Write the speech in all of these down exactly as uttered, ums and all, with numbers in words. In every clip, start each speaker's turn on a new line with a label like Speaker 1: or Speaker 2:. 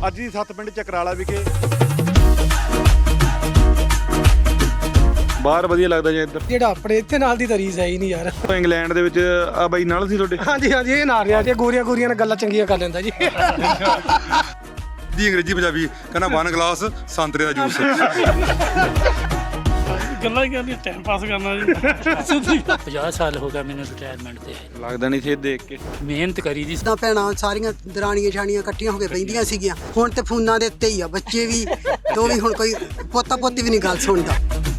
Speaker 1: ਅੱਜ ਦੀ ਸੱਤ ਪਿੰਡ ਚਕਰਾਲਾ ਵਿਖੇ ਬਾਹਰ ਵਧੀਆ ਲੱਗਦਾ ਜੇ ਇੱਧਰ
Speaker 2: ਜਿਹੜਾ ਆਪਣੇ ਇੱਥੇ ਨਾਲ ਦੀ ਤਾਂ ਰੀਸ ਹੈ ਹੀ ਨਹੀਂ ਯਾਰ।
Speaker 1: ਇੰਗਲੈਂਡ ਦੇ ਵਿੱਚ ਆ ਬਾਈ ਨਾਲ ਸੀ ਤੁਹਾਡੇ?
Speaker 2: ਹਾਂਜੀ ਹਾਂਜੀ ਇਹ ਨਾਲ ਰਿਹਾ ਜੀ, ਗੋਰੀਆਂ ਗੋਰੀਆਂ ਨਾਲ ਗੱਲਾਂ ਚੰਗੀਆਂ ਕਰ ਲੈਂਦਾ ਜੀ।
Speaker 3: ਦੀ ਅੰਗਰੇਜ਼ੀ ਪੰਜਾਬੀ ਕਹਿੰਦਾ ਵਨ ਗਲਾਸ ਸੰਤਰੇ ਦਾ ਜੂਸ।
Speaker 4: ਗੱਲਾਂ ਹੀ ਕਰਨੀਆਂ, ਟਾਈਮ ਪਾਸ ਕਰਨਾ ਜੀ।
Speaker 5: ਪੰਜਾਹ ਸਾਲ ਹੋ ਗਿਆ ਮੈਨੂੰ ਰਿਟਾਇਰਮੈਂਟ ਤੇ।
Speaker 1: ਲੱਗਦਾ ਨਹੀਂ ਸੀ ਦੇਖ ਕੇ।
Speaker 5: ਮਿਹਨਤ ਕਰੀ ਦੀ।
Speaker 6: ਤਾਂ ਭੈਣਾਂ ਸਾਰੀਆਂ ਦਰਾਣੀਆਂ ਛਾਣੀਆਂ ਇਕੱਠੀਆਂ ਹੋ ਕੇ ਬੈਠੀਆਂ ਸੀਗੀਆਂ, ਹੁਣ ਤੇ ਫੋਨਾਂ ਦੇ ਉੱਤੇ ਹੀ ਆ ਬੱਚੇ ਵੀ ਤੋਂ ਵੀ ਹੁਣ ਕੋਈ ਪੋਤਾ ਪੋਤੀ ਵੀ ਨਹੀਂ ਗੱਲ ਸੁਣਦਾ।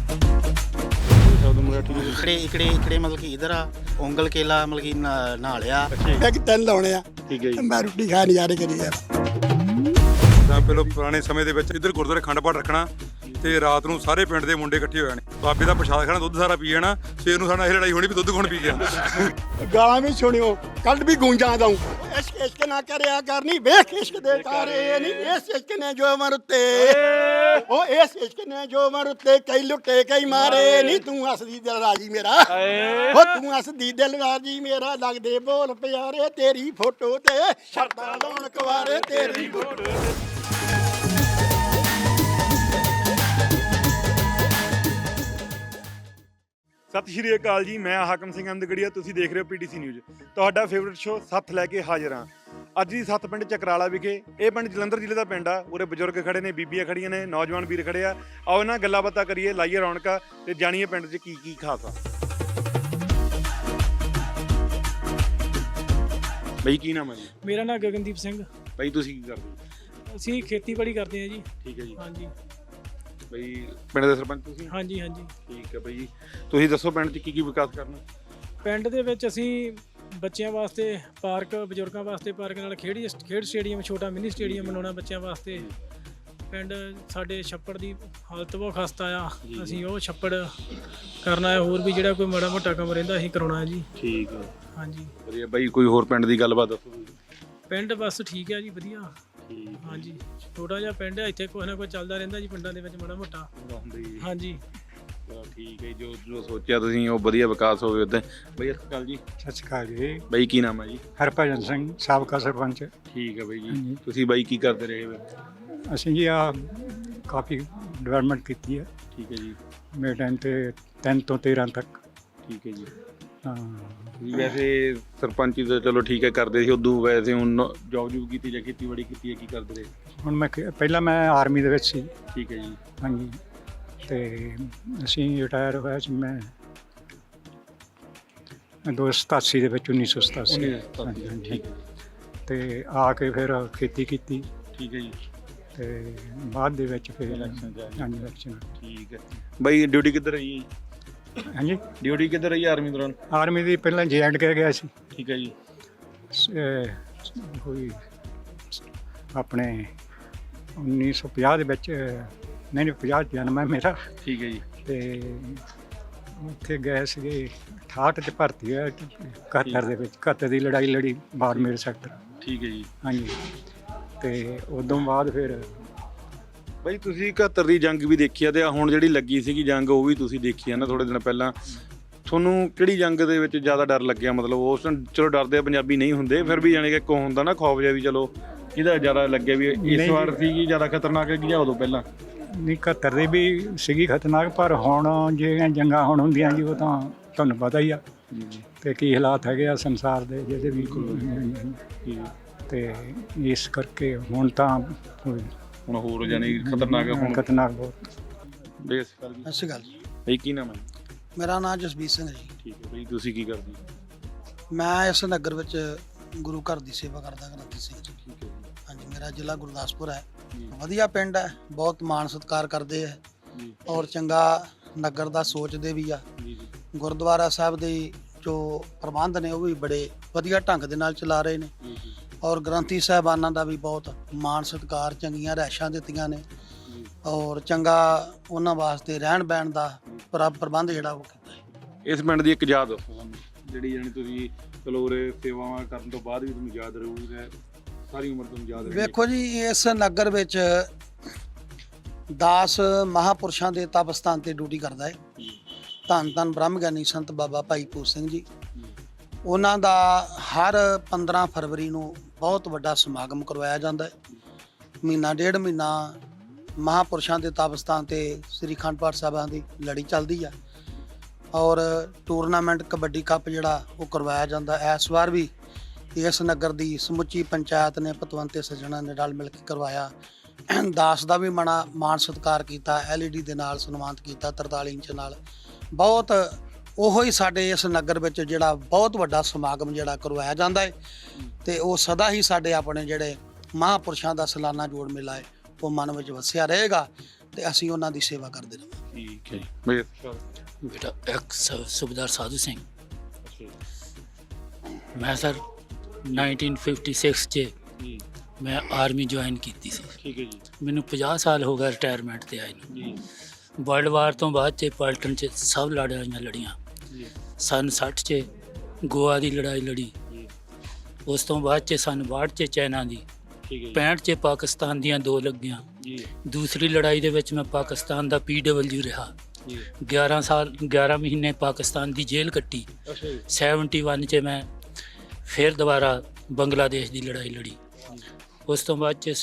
Speaker 7: इकड़े इकड़े इकड़े मतलब कि इधर आ ओंगल केला मतलब कि नहा लिया
Speaker 6: ਇੱਕ ਤਿੰਨ ਲਾਉਣੇ ਆ,
Speaker 1: ਠੀਕ ਹੈ ਜੀ।
Speaker 6: ਮੈਂ ਰੋਟੀ ਖਾ ਨਜ਼ਾਰੇ ਕਰੀ ਯਾਰ।
Speaker 3: ਤਾਂ ਪਹਿਲਾਂ ਪੁਰਾਣੇ ਸਮੇਂ ਦੇ ਵਿੱਚ ਇੱਧਰ ਗੁਰਦੁਆਰੇ ਅਖੰਡ ਪਾਠ ਰੱਖਣਾ ਤੇ ਰਾਤ ਨੂੰ ਸਾਰੇ ਪਿੰਡ ਦੇ ਮੁੰਡੇ ਇਕੱਠੇ ਹੋ ਜਾਣੇ, ਬਾਬੇ ਦਾ ਪ੍ਰਸ਼ਾਦ ਖਾਣਾ, ਦੁੱਧ ਸਾਰਾ ਪੀ ਜਾਣਾ। ਸਵੇਰ ਨੂੰ ਸਾਡਾ ਇਹ ਲੜਾਈ ਹੋਣੀ ਵੀ ਦੁੱਧ ਕੌਣ ਪੀ ਗਿਆ।
Speaker 6: ਗਾਲਾਂ ਵੀ ਸੁਣਿਓ, ਕੱਲ ਵੀ ਗੂੰਜਾਂ ਦਊਂ। ਇਸ਼ਕ ਇਸ਼ਕ ਨਾ ਕਰਿਆ ਕਰਨੀ, ਵੇਖ ਇਸ਼ਕ ਦੇ ਤਾਰੇ ਨਹੀਂ, ਇਸ ਇਸ਼ਕ ਨੇ ਜੋ ਮਰ ਉੱਤੇ, ਉਹ ਇਸ ਇਸ਼ਕ ਨੇ ਜੋ ਮਰ ਉੱਤੇ ਕਈ ਲੁੱਟੇ ਕਈ ਮਾਰੇ ਨਹੀਂ। ਤੂੰ ਹੱਸਦੀ ਦਿਲ ਰਾਜੀ ਮੇਰਾ, ਉਹ ਤੂੰ ਹੱਸਦੀ ਦਿਲ ਰਾਜੀ ਮੇਰਾ, ਲੱਗਦੇ ਬੋਲ ਪਿਆਰੇ ਤੇਰੀ ਫੋਟੋ ਤੇ, ਸ਼ਰਤਾਂ ਲਾਉਣ ਕੁਵਾਰੇ ਤੇਰੀ ਫੋਟੋ ਤੇ।
Speaker 1: ਸਤਿ ਸ਼੍ਰੀ ਅਕਾਲ ਜੀ, ਮੈਂ ਹਾਕਮ ਸਿੰਘ ਅਹਿਮਦਗੜੀਆ, ਤੁਸੀਂ ਦੇਖ ਰਹੇ ਹੋ ਪੀਟੀਸੀ ਨਿਊਜ਼। ਤੁਹਾਡਾ ਫੇਵਰਿਟ ਸ਼ੋਅ ਸੱਥ ਲੈ ਕੇ ਹਾਜ਼ਰ ਹਾਂ। ਅੱਜ ਦੀ ਸੱਤ ਪਿੰਡ ਚਕਰਾਲਾ ਵਿਖੇ। ਇਹ ਪਿੰਡ ਜਲੰਧਰ ਜ਼ਿਲ੍ਹੇ ਦਾ ਪਿੰਡ ਆ। ਉਰੇ ਬਜ਼ੁਰਗ ਖੜੇ ਨੇ, ਬੀਬੀਆਂ ਖੜੀਆਂ ਨੇ, ਨੌਜਵਾਨ ਵੀਰ ਖੜੇ ਆ। ਆਓ ਇਹਨਾਂ ਗੱਲਾਂ ਬਾਤਾਂ ਕਰੀਏ, ਲਾਈਏ ਰੌਣਕਾਂ ਤੇ ਜਾਣੀਏ ਪਿੰਡ 'ਚ ਕੀ ਕੀ ਖਾਸ ਆ। ਬਈ ਕੀ ਨਾਮ ਹੈ ਜੀ?
Speaker 4: ਮੇਰਾ ਨਾਮ ਗਗਨਦੀਪ ਸਿੰਘ।
Speaker 1: ਬਈ ਤੁਸੀਂ ਕੀ ਕਰਦੇ ਹੋ?
Speaker 4: ਅਸੀਂ ਖੇਤੀਬਾੜੀ ਕਰਦੇ ਹਾਂ ਜੀ।
Speaker 1: ਠੀਕ ਹੈ ਜੀ।
Speaker 4: ਹਾਂਜੀ
Speaker 1: ਬਈ ਪਿੰਡ ਦੇ ਸਰਪੰਚ ਤੁਸੀਂ?
Speaker 4: ਹਾਂਜੀ ਹਾਂਜੀ।
Speaker 1: ਠੀਕ ਹੈ ਬਈ, ਤੁਸੀਂ ਦੱਸੋ ਪਿੰਡ 'ਚ ਕੀ ਕੀ ਵਿਕਾਸ ਕਰਨਾ?
Speaker 4: ਪਿੰਡ ਦੇ ਵਿੱਚ ਅਸੀਂ ਬੱਚਿਆਂ ਵਾਸਤੇ ਪਾਰਕ, ਬਜ਼ੁਰਗਾਂ ਵਾਸਤੇ ਪਾਰਕ, ਨਾਲ ਖੇਡ ਖੇਡ ਸਟੇਡੀਅਮ, ਛੋਟਾ ਮਿੰਨੀ ਸਟੇਡੀਅਮ ਬਣਾਉਣਾ ਬੱਚਿਆਂ ਵਾਸਤੇ। ਪਿੰਡ ਸਾਡੇ ਛੱਪੜ ਦੀ ਹਾਲਤ ਬਹੁਤ ਖਸਤਾ ਆ, ਅਸੀਂ ਉਹ ਛੱਪੜ ਕਰਨਾ ਹੈ। ਹੋਰ ਵੀ ਜਿਹੜਾ ਕੋਈ ਮਾੜਾ ਮੋਟਾ ਕੰਮ ਰਹਿੰਦਾ ਅਸੀਂ ਕਰਾਉਣਾ ਹੈ ਜੀ।
Speaker 1: ਠੀਕ ਹੈ,
Speaker 4: ਹਾਂਜੀ
Speaker 1: ਵਧੀਆ। ਬਈ ਕੋਈ ਹੋਰ ਪਿੰਡ ਦੀ ਗੱਲਬਾਤ ਦੱਸੋ।
Speaker 4: ਪਿੰਡ ਬਸ ਠੀਕ ਹੈ ਜੀ, ਵਧੀਆ। ਹਾਂਜੀ ਛੋਟਾ ਜਿਹਾ ਪਿੰਡ ਹੈ, ਇੱਥੇ ਕੋਈ ਨਾ ਕੋਈ ਚੱਲਦਾ ਰਹਿੰਦਾ ਜੀ ਪਿੰਡਾਂ ਦੇ ਵਿੱਚ ਮਾੜਾ ਮੋਟਾ। ਹਾਂਜੀ
Speaker 1: ਠੀਕ ਹੈ, ਜੋ ਜੋ ਸੋਚਿਆ ਤੁਸੀਂ ਉਹ ਵਧੀਆ ਵਿਕਾਸ ਹੋਵੇ ਉੱਦਾਂ। ਬਈ ਸਤਿ ਸ਼੍ਰੀ ਅਕਾਲ ਜੀ।
Speaker 8: ਸਤਿ ਸ਼੍ਰੀ ਅਕਾਲ ਜੀ।
Speaker 1: ਬਈ ਕੀ ਨਾਮ ਹੈ ਜੀ?
Speaker 8: ਹਰਭਜਨ ਸਿੰਘ, ਸਾਬਕਾ ਸਰਪੰਚ।
Speaker 1: ਠੀਕ ਹੈ ਬਈ ਜੀ। ਤੁਸੀਂ ਬਾਈ ਕੀ ਕਰਦੇ ਰਹੇ ਹੋ?
Speaker 8: ਅਸੀਂ ਜੀ ਆ ਕਾਫੀ ਡਿਵੈਲਪਮੈਂਟ ਕੀਤੀ ਹੈ।
Speaker 1: ਠੀਕ ਹੈ ਜੀ।
Speaker 8: ਮੇਰੇ ਟਾਈਮ ਤੇ ਤਿੰਨ ਤੋਂ ਤੇਰ੍ਹਾਂ ਤੱਕ।
Speaker 1: ਠੀਕ ਹੈ ਜੀ।
Speaker 8: ਹਾਂ
Speaker 1: ਵੈਸੇ ਸਰਪੰਚੀ ਤਾਂ ਚਲੋ ਠੀਕ ਹੈ ਕਰਦੇ ਸੀ, ਉਦੋਂ ਵੈਸੇ ਹੁਣ ਜੋਬ ਜੂਬ ਕੀਤੀ ਜਾਂ ਖੇਤੀਬਾੜੀ ਕੀਤੀ ਹੈ, ਕੀ ਕਰਦੇ ਰਹੇ?
Speaker 8: ਹੁਣ ਮੈਂ ਖੇ- ਪਹਿਲਾਂ ਮੈਂ ਆਰਮੀ ਦੇ ਵਿੱਚ ਸੀ।
Speaker 1: ਠੀਕ ਹੈ ਜੀ।
Speaker 8: ਹਾਂਜੀ, ਅਤੇ ਅਸੀਂ ਰਿਟਾਇਰ ਹੋਇਆ ਸੀ ਮੈਂ ਦੋ ਸਤਾਸੀ ਦੇ ਵਿੱਚ, ਉੱਨੀ ਸੌ ਸਤਾਸੀ। ਹਾਂਜੀ ਹਾਂਜੀ।
Speaker 1: ਠੀਕ ਹੈ।
Speaker 8: ਅਤੇ ਆ ਕੇ ਫਿਰ ਖੇਤੀ ਕੀਤੀ।
Speaker 1: ਠੀਕ ਹੈ ਜੀ।
Speaker 8: ਅਤੇ ਬਾਅਦ ਦੇ ਵਿੱਚ ਫਿਰ
Speaker 1: ਇਲੈਕਸ਼ਨ 'ਚ ਆ ਗਏ।
Speaker 8: ਹਾਂਜੀ ਇਲੈਕਸ਼ਨ।
Speaker 1: ਠੀਕ ਹੈ ਬਈ। ਡਿਊਟੀ ਕਿੱਧਰ ਰਹੀ ਹੈ?
Speaker 8: ਹਾਂਜੀ,
Speaker 1: ਡਿਊਟੀ ਕਿੱਧਰ ਰਹੀ ਆਰਮੀ ਦੌਰਾਨ?
Speaker 8: ਆਰਮੀ ਦੀ ਪਹਿਲਾਂ ਜੇ ਐਂਡ ਕੇ ਗਿਆ ਸੀ।
Speaker 1: ਠੀਕ ਹੈ ਜੀ।
Speaker 8: ਅਹ ਕੋਈ ਆਪਣੇ ਉੱਨੀ ਸੌ ਪੰਜਾਹ ਦੇ ਵਿੱਚ, ਨਹੀਂ ਨਹੀਂ ਪੰਜਾਹ ਜਨਮ ਹੈ ਮੇਰਾ।
Speaker 1: ਠੀਕ ਹੈ ਜੀ।
Speaker 8: ਅਤੇ ਉੱਥੇ ਗਏ ਸੀਗੇ, ਅਠਾਹਠ 'ਚ ਭਰਤੀ ਹੋਇਆ ਇਕਹੱਤਰ ਦੇ ਵਿੱਚ। ਇਕਹੱਤਰ ਦੀ ਲੜਾਈ ਲੜੀ ਬਾੜਮੇਰ ਸੈਕਟਰ।
Speaker 1: ਠੀਕ ਹੈ ਜੀ।
Speaker 8: ਹਾਂਜੀ, ਅਤੇ ਉਦੋਂ ਬਾਅਦ ਫਿਰ
Speaker 1: ਬਈ ਤੁਸੀਂ ਇਕਹੱਤਰ ਦੀ ਜੰਗ ਵੀ ਦੇਖੀ ਆ, ਤੇ ਹੁਣ ਜਿਹੜੀ ਲੱਗੀ ਸੀਗੀ ਜੰਗ ਉਹ ਵੀ ਤੁਸੀਂ ਦੇਖੀ ਆ ਨਾ ਥੋੜੇ ਦਿਨ ਪਹਿਲਾਂ। ਤੁਹਾਨੂੰ ਕਿਹੜੀ ਜੰਗ ਦੇ ਵਿੱਚ ਜ਼ਿਆਦਾ ਡਰ ਲੱਗਿਆ? ਮਤਲਬ ਉਸ ਚਲੋ ਡਰਦੇ ਪੰਜਾਬੀ ਨਹੀਂ ਹੁੰਦੇ, ਫਿਰ ਵੀ ਜਾਣੀ ਕਿ ਕੋ ਹੁੰਦਾ ਨਾ ਖੌਫ ਜਿਹਾ ਵੀ, ਚਲੋ ਕਿਹਦਾ ਜ਼ਿਆਦਾ ਲੱਗਿਆ ਵੀ ਇਸ ਵਾਰ ਸੀਗੀ ਜ਼ਿਆਦਾ ਖਤਰਨਾਕ ਹੈਗੀ ਜਾਂ ਉਦੋਂ ਪਹਿਲਾਂ?
Speaker 8: ਨਹੀਂ, ਇਕਹੱਤਰ ਦੀ ਵੀ ਸੀਗੀ ਖਤਰਨਾਕ, ਪਰ ਹੁਣ ਜਿਹੜੀਆਂ ਜੰਗਾਂ ਹੁਣ ਹੁੰਦੀਆਂ ਜੀ ਉਹ ਤਾਂ ਤੁਹਾਨੂੰ ਪਤਾ ਹੀ ਆ ਅਤੇ ਕੀ ਹਾਲਾਤ ਹੈਗੇ ਆ ਸੰਸਾਰ ਦੇ ਜਿਹਦੇ ਵੀ। ਅਤੇ ਇਸ ਕਰਕੇ ਹੁਣ ਤਾਂ
Speaker 1: ਹੁਣ ਹੋਰ ਜਾਨੀ ਖਤਰਨਾਕ ਹੁਣ
Speaker 8: ਖਤਰਨਾਕ ਬਹੁਤ।
Speaker 1: ਬੇਸ
Speaker 6: ਸਤਿ ਸ਼੍ਰੀ ਅਕਾਲ ਜੀ।
Speaker 1: ਬਈ ਕੀ ਨਾਮ ਹੈ?
Speaker 6: ਮੇਰਾ ਨਾਮ ਜਸਬੀਰ ਸਿੰਘ ਜੀ।
Speaker 1: ਠੀਕ ਹੈ ਬਈ। ਤੁਸੀਂ ਕੀ ਕਰਦੇ ਹੋ?
Speaker 6: ਮੈਂ ਇਸ ਨਗਰ ਵਿੱਚ ਗੁਰੂ ਘਰ ਦੀ ਸੇਵਾ ਕਰਦਾ ਗ੍ਰੰਥੀ ਸਿੰਘ ਜੀ।
Speaker 1: ਠੀਕ ਹੈ ਜੀ।
Speaker 6: ਹਾਂਜੀ, ਮੇਰਾ ਜ਼ਿਲ੍ਹਾ ਗੁਰਦਾਸਪੁਰ ਹੈ। ਵਧੀਆ ਪਿੰਡ ਹੈ, ਬਹੁਤ ਮਾਣ ਸਤਿਕਾਰ ਕਰਦੇ ਹੈ
Speaker 1: ਜੀ।
Speaker 6: ਔਰ ਚੰਗਾ ਨਗਰ ਦਾ ਸੋਚਦੇ ਵੀ ਆ।
Speaker 1: ਜੀ ਜੀ।
Speaker 6: ਗੁਰਦੁਆਰਾ ਸਾਹਿਬ ਦੇ ਜੋ ਪ੍ਰਬੰਧ ਨੇ ਉਹ ਵੀ ਬੜੇ ਵਧੀਆ ਢੰਗ ਦੇ ਨਾਲ ਚਲਾ ਰਹੇ ਨੇ।
Speaker 1: ਜੀ ਜੀ।
Speaker 6: ਔਰ ਗ੍ਰੰਥੀ ਸਾਹਿਬਾਨਾਂ ਦਾ ਵੀ ਬਹੁਤ ਮਾਣ ਸਤਿਕਾਰ, ਚੰਗੀਆਂ ਰਿਹਾਇਸ਼ਾਂ ਦਿੱਤੀਆਂ ਨੇ ਔਰ ਚੰਗਾ ਉਹਨਾਂ ਵਾਸਤੇ ਰਹਿਣ ਬਹਿਣ ਦਾ ਪ੍ਰ ਪ੍ਰਬੰਧ ਜਿਹੜਾ ਉਹ ਕੀਤਾ ਹੈ।
Speaker 1: ਇਸ ਪਿੰਡ ਦੀ ਇੱਕ ਯਾਦ ਦੱਸੋ ਸਾਨੂੰ, ਜਿਹੜੀ ਜਾਣੀ ਤੁਸੀਂ ਚਲੋ ਉਰੇ ਸੇਵਾਵਾਂ ਕਰਨ ਤੋਂ ਬਾਅਦ ਵੀ ਤੁਹਾਨੂੰ ਯਾਦ ਰਹੂਗਾ, ਸਾਰੀ ਉਮਰ ਤੁਹਾਨੂੰ ਯਾਦ ਰਹੇਗੀ।
Speaker 6: ਵੇਖੋ ਜੀ, ਇਸ ਨਗਰ ਵਿੱਚ ਦਸ ਮਹਾਂਪੁਰਸ਼ਾਂ ਦੇ ਤਪ ਸਥਾਨ ਤੇ ਡਿਊਟੀ ਕਰਦਾ ਹੈ ਧੰਨ ਧੰਨ ਬ੍ਰਹਮ ਗਿਆਨੀ ਸੰਤ ਬਾਬਾ ਭਾਈ ਪੂਜ ਸਿੰਘ ਜੀ। ਉਹਨਾਂ ਦਾ ਹਰ ਪੰਦਰਾਂ ਫਰਵਰੀ ਨੂੰ ਬਹੁਤ ਵੱਡਾ ਸਮਾਗਮ ਕਰਵਾਇਆ ਜਾਂਦਾ ਹੈ।
Speaker 7: ਮਹੀਨਾ ਡੇਢ ਮਹੀਨਾ ਮਹਾਂਪੁਰਸ਼ਾਂ ਦੇ ਤਪਸਥਾਨ ਤੇ ਸ੍ਰੀ ਅਖੰਡ ਪਾਠ ਸਾਹਿਬਾਂ ਦੀ ਲੜੀ ਚੱਲਦੀ ਆ ਔਰ ਟੂਰਨਾਮੈਂਟ ਕਬੱਡੀ ਕੱਪ ਜਿਹੜਾ ਉਹ ਕਰਵਾਇਆ ਜਾਂਦਾ। ਇਸ ਵਾਰ ਵੀ ਇਸ ਨਗਰ ਦੀ ਸਮੁੱਚੀ ਪੰਚਾਇਤ ਨੇ ਪਤਵੰਤੇ ਸੱਜਣਾਂ ਨੇ ਰਲ ਮਿਲ ਕੇ ਕਰਵਾਇਆ। ਦਾਸ ਦਾ ਵੀ ਮਣਾ ਮਾਣ ਸਤਿਕਾਰ ਕੀਤਾ, ਐਲ ਈ ਡੀ ਦੇ ਨਾਲ ਸਨਮਾਨਿਤ ਕੀਤਾ ਤਰਤਾਲੀ ਇੰਚ ਨਾਲ। ਬਹੁਤ ਉਹੋ ਹੀ ਸਾਡੇ ਇਸ ਨਗਰ ਵਿੱਚ ਜਿਹੜਾ ਬਹੁਤ ਵੱਡਾ ਸਮਾਗਮ ਜਿਹੜਾ ਕਰਵਾਇਆ ਜਾਂਦਾ ਹੈ ਤੇ ਉਹ ਸਦਾ ਹੀ ਸਾਡੇ ਆਪਣੇ ਜਿਹੜੇ ਮਹਾਂਪੁਰਸ਼ਾਂ ਦਾ ਸਾਲਾਨਾ ਜੋੜ ਮੇਲਾ ਹੈ ਉਹ ਮਨ ਵਿੱਚ ਵਸਿਆ ਰਹੇਗਾ ਤੇ ਅਸੀਂ ਉਹਨਾਂ ਦੀ ਸੇਵਾ ਕਰਦੇ ਰਹਾਂਗੇ।
Speaker 1: ਠੀਕ ਹੈ ਜੀ ਬਈ
Speaker 5: ਬੇਟਾ ਇੱਕ ਸ- ਸੂਬੇਦਾਰ ਸਾਧੂ ਸਿੰਘ। ਮੈਂ ਸਰ ਨਾਈਨਟੀਨ ਫਿਫਟੀ ਸਿਕਸ 'ਚ
Speaker 1: ਜੀ
Speaker 5: ਮੈਂ ਆਰਮੀ ਜੁਆਇਨ ਕੀਤੀ ਸੀ।
Speaker 1: ਠੀਕ ਹੈ ਜੀ
Speaker 5: ਮੈਨੂੰ ਪੰਜਾਹ ਸਾਲ ਹੋ ਗਏ ਰਿਟਾਇਰਮੈਂਟ ਤੇ ਆਏ ਨੂੰ।
Speaker 1: ਜੀ
Speaker 5: ਵਰਲਡ ਵਾਰ ਤੋਂ ਬਾਅਦ 'ਚ ਪਲਟਨ 'ਚ ਸਭ ਲੜਾਈਆਂ ਲੜੀਆਂ।
Speaker 1: ਜੀ
Speaker 5: ਸਨ ਸੱਠ 'ਚ ਗੋਆ ਦੀ ਲੜਾਈ ਲੜੀ।
Speaker 1: ਜੀ
Speaker 5: ਉਸ ਤੋਂ ਬਾਅਦ 'ਚ ਸਨ ਬਾਹਠ 'ਚ ਚਾਈਨਾ ਦੀ,
Speaker 1: ਠੀਕ ਹੈ ਜੀ
Speaker 5: ਪੈਂਹਠ 'ਚ ਪਾਕਿਸਤਾਨ ਦੀਆਂ ਦੋ ਲੱਗੀਆਂ।
Speaker 1: ਜੀ
Speaker 5: ਦੂਸਰੀ ਲੜਾਈ ਦੇ ਵਿੱਚ ਮੈਂ ਪਾਕਿਸਤਾਨ ਦਾ ਪੀ ਡਬਲਯੂ ਰਿਹਾ।
Speaker 1: ਜੀ
Speaker 5: ਗਿਆਰਾਂ ਸਾਲ ਗਿਆਰਾਂ ਮਹੀਨੇ ਪਾਕਿਸਤਾਨ ਦੀ ਜੇਲ੍ਹ ਕੱਟੀ।
Speaker 1: ਅੱਛਾ ਜੀ
Speaker 5: ਇਕਹੱਤਰ 'ਚ ਮੈਂ ਫਿਰ ਦੁਬਾਰਾ ਬੰਗਲਾਦੇਸ਼ ਦੀ ਲੜਾਈ ਲੜੀ। ਉਸ ਤੋਂ ਬਾਅਦ 'ਚ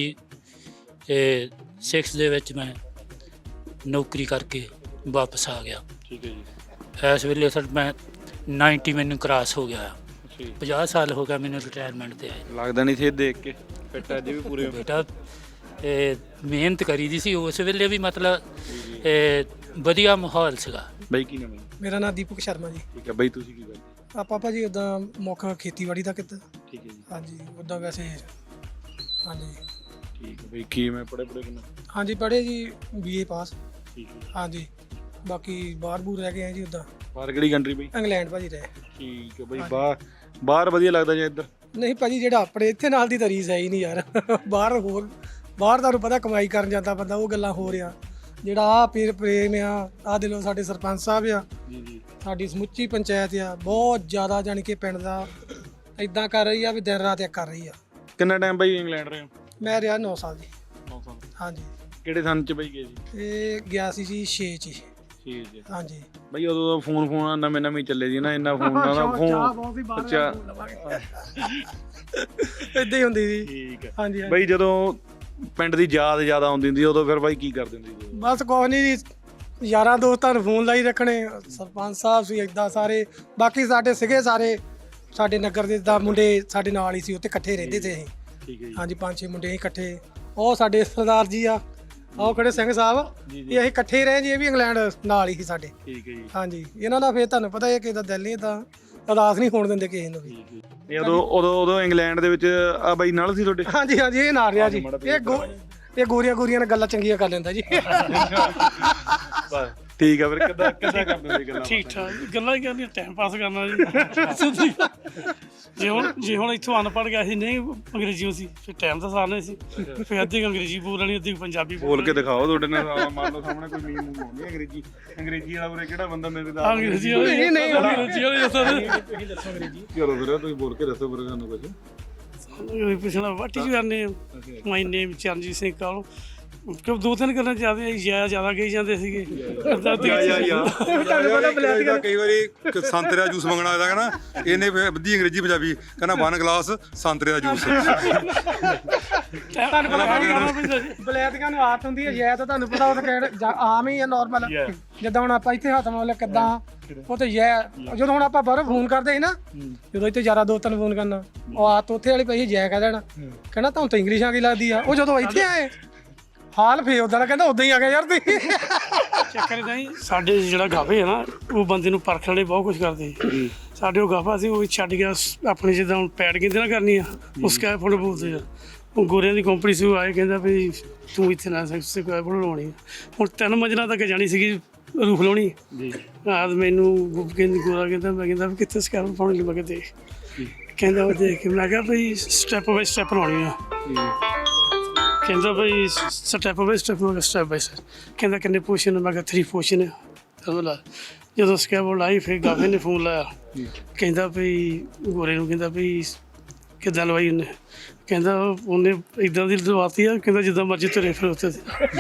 Speaker 5: ਛੇ ਦੇ ਵਿੱਚ ਮੈਂ ਨੌਕਰੀ ਕਰਕੇ ਵਾਪਸ ਆ ਗਿਆ।
Speaker 1: ਠੀਕ ਹੈ ਜੀ
Speaker 5: ਇਸ ਵੇਲੇ ਸਰ ਮੈਂ ਨੱਬੇ ਮੈਨੂੰ ਕ੍ਰਾਸ ਹੋ ਗਿਆ।
Speaker 1: ਅੱਛਾ ਜੀ
Speaker 5: ਪੰਜਾਹ ਸਾਲ ਹੋ ਗਿਆ ਮੈਨੂੰ ਰਿਟਾਇਰਮੈਂਟ ਤੇ ਆਏ।
Speaker 1: ਲੱਗਦਾ ਨਹੀਂ ਸੀ ਇਹ ਦੇਖ ਕੇ ਫਿੱਟ ਅੱਜ ਵੀ ਪੂਰੇ
Speaker 5: ਬੇਟਾ ਇਹ ਮਿਹਨਤ ਕਰੀ ਦੀ ਸੀ ਉਸ ਵੇਲੇ ਵੀ, ਮਤਲਬ ਇਹ ਵਧੀਆ ਮਾਹੌਲ ਸੀਗਾ।
Speaker 1: ਬਈ ਕੀ ਨਾਮ ਹੈ?
Speaker 2: ਮੇਰਾ ਨਾਮ ਦੀਪਕ ਸ਼ਰਮਾ ਜੀ।
Speaker 1: ਠੀਕ ਹੈ ਬਈ ਤੁਸੀਂ ਕੀ ਕਰਦੇ?
Speaker 2: ਆਪਾਂ ਭਾਜੀ ਉਦਾਂ ਮੌਕਾ ਖੇਤੀਬਾੜੀ ਦਾ ਕੀਤਾ।
Speaker 1: ਠੀਕ ਹੈ ਜੀ
Speaker 2: ਹਾਂਜੀ ਉਦਾਂ ਵੈਸੇ ਹਾਂਜੀ
Speaker 1: ਠੀਕ ਹੈ ਬਈ ਕੀ ਮੈਂ ਪੜੇ ਪੜੇ ਕਿੰਨਾ?
Speaker 2: ਹਾਂਜੀ ਪੜ੍ਹੇ ਜੀ ਬੀ ਏ ਪਾਸ।
Speaker 1: ਠੀਕ ਹੈ
Speaker 2: ਹਾਂਜੀ ਬਾਕੀ ਬਾਹਰ ਬੂਰ ਰਹਿ ਗਏ ਆ ਜੀ ਉਦਾਂ।
Speaker 1: ਬਾਹਰ ਕਿਹੜੀ ਕੰਟਰੀ ਬਈ?
Speaker 2: ਇੰਗਲੈਂਡ ਭਾਜੀ ਰਹੇ।
Speaker 1: ਠੀਕ ਹੈ ਬਈ ਬਾਹਰ ਬਾਹਰ ਵਧੀਆ ਲੱਗਦਾ ਜੇ ਇੱਧਰ?
Speaker 2: ਨਹੀਂ ਭਾਜੀ ਜਿਹੜਾ ਆਪਣੇ ਇੱਥੇ ਨਾਲ ਦੀ ਤਾਂ ਰੀਸ ਹੈ ਹੀ ਨਹੀਂ ਯਾਰ। ਬਾਹਰ ਹੋਰ ਬਾਹਰ ਤੁਹਾਨੂੰ ਪਤਾ ਕਮਾਈ ਕਰਨ ਜਾਂਦਾ ਬੰਦਾ, ਉਹ ਗੱਲਾਂ ਹੋ ਰਿਹਾ। ਜਿਹੜਾ ਆ ਪੀਰ ਪ੍ਰੇਮ ਆ, ਆ ਦਿਲੋਂ ਸਾਡੇ ਸਰਪੰਚ ਸਾਹਿਬ ਆ,
Speaker 1: ਜੀ ਜੀ
Speaker 2: ਸਾਡੀ ਸਮੁੱਚੀ ਪੰਚਾਇਤ ਆ, ਬਹੁਤ ਜ਼ਿਆਦਾ ਜਾਣੀ ਕਿ ਪਿੰਡ ਦਾ ਇਦਾਂ ਕਰ ਰਹੀ ਆ ਵੀ ਦਿਨ ਰਾਤ ਇੱਕ ਕਰ ਰਹੀ ਆ।
Speaker 1: ਕਿੰਨਾ ਟਾਈਮ ਬਈ ਇੰਗਲੈਂਡ ਰਹੇ ਹੋ?
Speaker 2: ਮੈਂ ਰਿਹਾ ਨੌ ਸਾਲ ਜੀ।
Speaker 1: ਨੌ ਸਾਲ।
Speaker 2: ਹਾਂਜੀ
Speaker 1: ਕਿਹੜੇ ਸੰਨ ਚ ਬਈ ਗਏ ਜੀ?
Speaker 2: ਇਹ ਗਿਆ ਸੀ ਜੀ ਛੇ ਚ ਹੀ।
Speaker 1: ਠੀਕ ਜੀ
Speaker 2: ਹਾਂਜੀ
Speaker 1: ਬਈ ਉਦੋਂ ਦਾ ਫੋਨ ਫੋਨ ਨਵੇਂ ਨਵੇਂ ਚੱਲੇ ਸੀ ਨਾ, ਇੰਨਾ ਫੋਨ ਨਾ ਫੋਨ ਅੱਛਾ
Speaker 2: ਇਦਾਂ ਹੀ ਹੁੰਦੀ ਸੀ।
Speaker 1: ਠੀਕ ਹੈ
Speaker 2: ਹਾਂਜੀ ਹਾਂਜੀ।
Speaker 1: ਬਈ ਜਦੋਂ ਪਿੰਡ ਦੀ ਯਾਦ ਜ਼ਿਆਦਾ ਆਉਂਦੀ ਹੁੰਦੀ ਉਦੋਂ ਫਿਰ ਬਾਈ ਕੀ ਕਰਦੇ ਹੁੰਦੇ ਸੀ?
Speaker 2: ਬਸ ਕੁਛ ਨਹੀਂ ਜੀ, ਯਾਰਾਂ ਦੋਸਤਾਂ ਨੂੰ ਫੋਨ ਲਾਈ ਰੱਖਣੇ। ਸਰਪੰਚ ਸਾਹਿਬ ਸੀ ਇਦਾਂ ਸਾਰੇ, ਬਾਕੀ ਸਾਡੇ ਸੀਗੇ ਸਾਰੇ ਸਾਡੇ ਨਗਰ ਦੇ ਦਾ ਮੁੰਡੇ ਸਾਡੇ ਨਾਲ ਹੀ ਸੀ, ਉੱਥੇ ਇਕੱਠੇ ਰਹਿੰਦੇ ਸੀ ਅਸੀਂ।
Speaker 1: ਠੀਕ ਹੈ ਜੀ
Speaker 2: ਹਾਂਜੀ ਪੰਜ ਛੇ ਮੁੰਡੇ ਅਸੀਂ ਇਕੱਠੇ। ਉਹ ਸਾਡੇ ਸਰਦਾਰ ਜੀ ਆ, ਆਓ ਖੜੇ ਸਿੰਘ ਸਾਹਿਬ, ਇਹ ਅਸੀਂ ਇਕੱਠੇ ਹੀ ਰਹੇ ਜੀ। ਇਹ ਵੀ ਇੰਗਲੈਂਡ ਨਾਲ ਹੀ ਸੀ ਸਾਡੇ।
Speaker 1: ਠੀਕ ਹੈ ਜੀ
Speaker 2: ਹਾਂਜੀ ਇਹਨਾਂ ਦਾ ਫਿਰ ਤੁਹਾਨੂੰ ਪਤਾ ਹੈ ਕਿ ਇਹਦਾ ਦਿਲ ਨਹੀਂ ਤਾਂ ਉਦਾਸ ਨਹੀਂ ਹੋਣ ਦਿੰਦੇ ਕਿਸੇ ਨੂੰ ਵੀ।
Speaker 1: ਇਹ ਉਦੋਂ ਉਦੋਂ ਉਦੋਂ ਇੰਗਲੈਂਡ ਦੇ ਵਿੱਚ ਆ ਬਾਈ ਨਾਲ ਸੀ ਤੁਹਾਡੇ?
Speaker 2: ਹਾਂਜੀ ਹਾਂਜੀ ਇਹ ਨਾਲ ਰਿਹਾ ਜੀ। ਇਹ ਗੋ ਇਹ ਗੋਰੀਆਂ ਗੋਰੀਆਂ ਨਾਲ ਗੱਲਾਂ ਚੰਗੀਆਂ ਕਰ ਲੈਂਦਾ ਜੀ।
Speaker 1: ਠੀਕ ਆ ਫਿਰ ਕਿੱਦਾਂ ਕਿੱਦਾਂ ਕਰਦੇ ਸੀ ਗੱਲਾਂ?
Speaker 9: ਠੀਕ ਠਾਕ ਗੱਲਾਂ ਹੀ ਕਰਨੀਆਂ, ਟਾਈਮ ਪਾਸ ਕਰਨਾ ਜੀ। ਜੇ ਹੁਣ ਜੇ ਹੁਣ ਇੱਥੋਂ ਅਨਪੜ੍ਹ ਗਿਆ ਸੀ, ਨਹੀਂ ਅੰਗਰੇਜ਼ੀ ਸੀ, ਫਿਰ ਟਾਈਮ ਤਾਂ ਸਾਰਨੇ ਸੀ। ਫਿਰ ਅੱਧੀ ਅੰਗਰੇਜ਼ੀ ਬੋਲਣੀ, ਅੱਧੀ ਪੰਜਾਬੀ
Speaker 1: ਬੋਲ ਕੇ ਦਿਖਾਓ। ਤੁਹਾਡੇ ਨਾਲ ਮੰਨ ਲਓ ਸਾਹਮਣੇ ਕੋਈ ਮੀਮ ਮੂਮ ਆਉਂਦੀ ਅੰਗਰੇਜ਼ੀ ਅੰਗਰੇਜ਼ੀ ਵਾਲਾ ਉਰੇ ਕਿਹੜਾ ਬੰਦਾ ਮੇਰੇ ਦਾ
Speaker 9: ਅੰਗਰੇਜ਼ੀ ਵਾਲੇ
Speaker 2: ਨਹੀਂ, ਨਹੀਂ,
Speaker 9: ਅੰਗਰੇਜ਼ੀ ਵਾਲੇ ਦੱਸੋ
Speaker 1: ਚਲੋ ਫਿਰ ਤੁਸੀਂ ਬੋਲ ਕੇ ਦੱਸੋ ਫਿਰ ਸਾਨੂੰ ਕੁਝ।
Speaker 9: ਪੁੱਛਣਾ what is your name? My name Charanjit Singh Kalo. ਕਿਉਂ ਦੋ ਤਿੰਨ ਗੱਲਾਂ ਜ਼ਿਆਦਾ ਜਿਆਦਾ ਜ਼ਿਆਦਾ ਕਹੀ ਜਾਂਦੇ ਸੀਗੇ।
Speaker 3: ਕਈ ਵਾਰੀ ਸੰਤਰੇ ਦਾ ਜੂਸ ਮੰਗਣਾ ਹੋਇਆ ਨਾ, ਇਹਨੇ ਅੱਧੀ ਅੰਗਰੇਜ਼ੀ ਪੰਜਾਬੀ ਕਹਿੰਦਾ ਵਨ ਗਲਾਸ ਸੰਤਰੇ ਦਾ ਜੂਸ।
Speaker 2: ਤੁਹਾਨੂੰ ਪਤਾ ਬਲੈਤੀਆਂ ਨੂੰ ਆਦਤ ਹੁੰਦੀ ਹੈ ਜੈ, ਤਾਂ ਤੁਹਾਨੂੰ ਪਤਾ ਉਹ ਤਾਂ ਕਹਿਣ ਆਮ ਹੀ ਹੈ ਨਾਰਮਲ। ਜਿੱਦਾਂ ਹੁਣ ਆਪਾਂ ਇੱਥੇ ਹੱਥ ਮਾਰ ਲਿਆ ਕਿੱਦਾਂ, ਉਹ ਤੇ ਜੈ। ਜਦੋਂ ਹੁਣ ਆਪਾਂ ਬਾਹਰੋਂ ਫੋਨ ਕਰਦੇ ਸੀ ਨਾ, ਜਦੋਂ ਇੱਥੇ ਯਾਰਾਂ ਦੋਸਤਾਂ ਨੂੰ ਫੋਨ ਕਰਨਾ, ਉਹ ਆਦਤ ਉੱਥੇ ਵਾਲੀ ਪਈ ਜੈ ਕਹਿ ਦੇਣਾ। ਕਹਿੰਦਾ ਤੁਹਾਨੂੰ ਤਾਂ ਇੰਗਲਿਸ਼ ਆ ਗਈ ਲੱਗਦੀ ਆ। ਉਹ ਜਦੋਂ ਇੱਥੇ ਆਏ ਹਾਲ ਫੇ ਉਦਾਂ ਦਾ ਕਹਿੰਦਾ ਉਦਾਂ ਹੀ ਆ ਗਿਆ ਯਾਰ ਤੁਸੀਂ।
Speaker 9: ਚੱਕਰ ਇਦਾਂ ਹੀ ਸਾਡੇ ਜਿਹੜਾ ਗਾਫੇ ਹੈ ਨਾ, ਉਹ ਬੰਦੇ ਨੂੰ ਪਰਖਣ ਲਈ ਬਹੁਤ ਕੁਝ ਕਰਦੇ ਸੀ। ਸਾਡੇ ਉਹ ਗਾਫਾ ਸੀ, ਉਹ ਛੱਡ ਗਿਆ ਆਪਣੇ ਜਿੱਦਾਂ ਹੁਣ ਪੈਡ ਕਹਿੰਦੇ ਨਾ ਕਰਨੀ ਆ, ਉਸ ਕੈ ਫੋਟੋ ਬੋਲਦੇ ਆ। ਉਹ ਗੋਰਿਆਂ ਦੀ ਕੰਪਨੀ ਸੀ, ਉਹ ਆਏ ਕਹਿੰਦਾ ਵੀ ਤੂੰ ਇੱਥੇ ਨਾ ਸਕਸੇ ਕੋਈ ਫੋਟੋ ਲਾਉਣੀ। ਹੁਣ ਤਿੰਨ ਮੰਜ਼ਲਾਂ ਤੱਕ ਜਾਣੀ ਸੀਗੀ ਰੂਫ ਲਾਉਣੀ ਜੀ। ਆਦ ਮੈਨੂੰ ਕਹਿੰਦੀ ਗੋਰਾ ਕਹਿੰਦਾ, ਮੈਂ ਕਹਿੰਦਾ ਵੀ ਕਿੱਥੇ ਸਕੈਨ ਪਾਉਣੀ ਲਈ? ਮੈਂ ਕਿਹਾ ਦੇਖ। ਕਹਿੰਦਾ ਉਹ ਦੇਖ ਕੇ ਮੈਂ ਕਿਹਾ ਬਈ ਸਟੈਪ ਬਾਈ ਸਟੈਪ ਲਾਉਣੀ ਆ। ਕਹਿੰਦਾ ਬਈ ਸਟੈਪ ਬਾਈ ਸਟੈਪ। ਮੈਂ ਕਿਹਾ ਸਟੈਪ ਬਾਈ ਸਟੈਪ। ਕਹਿੰਦਾ ਕਿੰਨੇ ਪੋਸ਼ਨ? ਮੈਂ ਕਿਹਾ ਥਰੀ ਪੋਸ਼ਨ। ਤਾਂ ਜਦੋਂ ਸਕੈਬ ਲਾਈ, ਫਿਰ ਗਾਫੇ ਨੇ ਫੋਨ ਲਾਇਆ, ਕਹਿੰਦਾ ਬਈ ਗੋਰੇ ਨੂੰ, ਕਹਿੰਦਾ ਬਈ ਕਿੱਦਾਂ ਲਵਾਈ ਉਹਨੇ? ਕਹਿੰਦਾ ਉਹਨੇ ਇੱਦਾਂ ਦੀ ਲਵਾਤੀ ਆ, ਕਹਿੰਦਾ ਜਿੱਦਾਂ ਮਰਜ਼ੀ ਤੁਰੇ ਫਿਰ ਉੱਥੇ।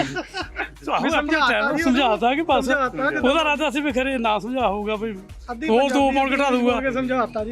Speaker 9: ਸਮਝਾਤਾ ਕਿ ਬਸ ਉਹਦਾ ਇਰਾਦਾ ਸੀ ਵੀ ਖਰੇ ਨਾ ਸਮਝਾ ਹੋਊਗਾ ਵੀ ਹੋਰ ਦੋ ਪਾਉਣ ਘਟਾ ਦੂਗਾ।
Speaker 2: ਸਮਝਾਤਾ ਜੀ।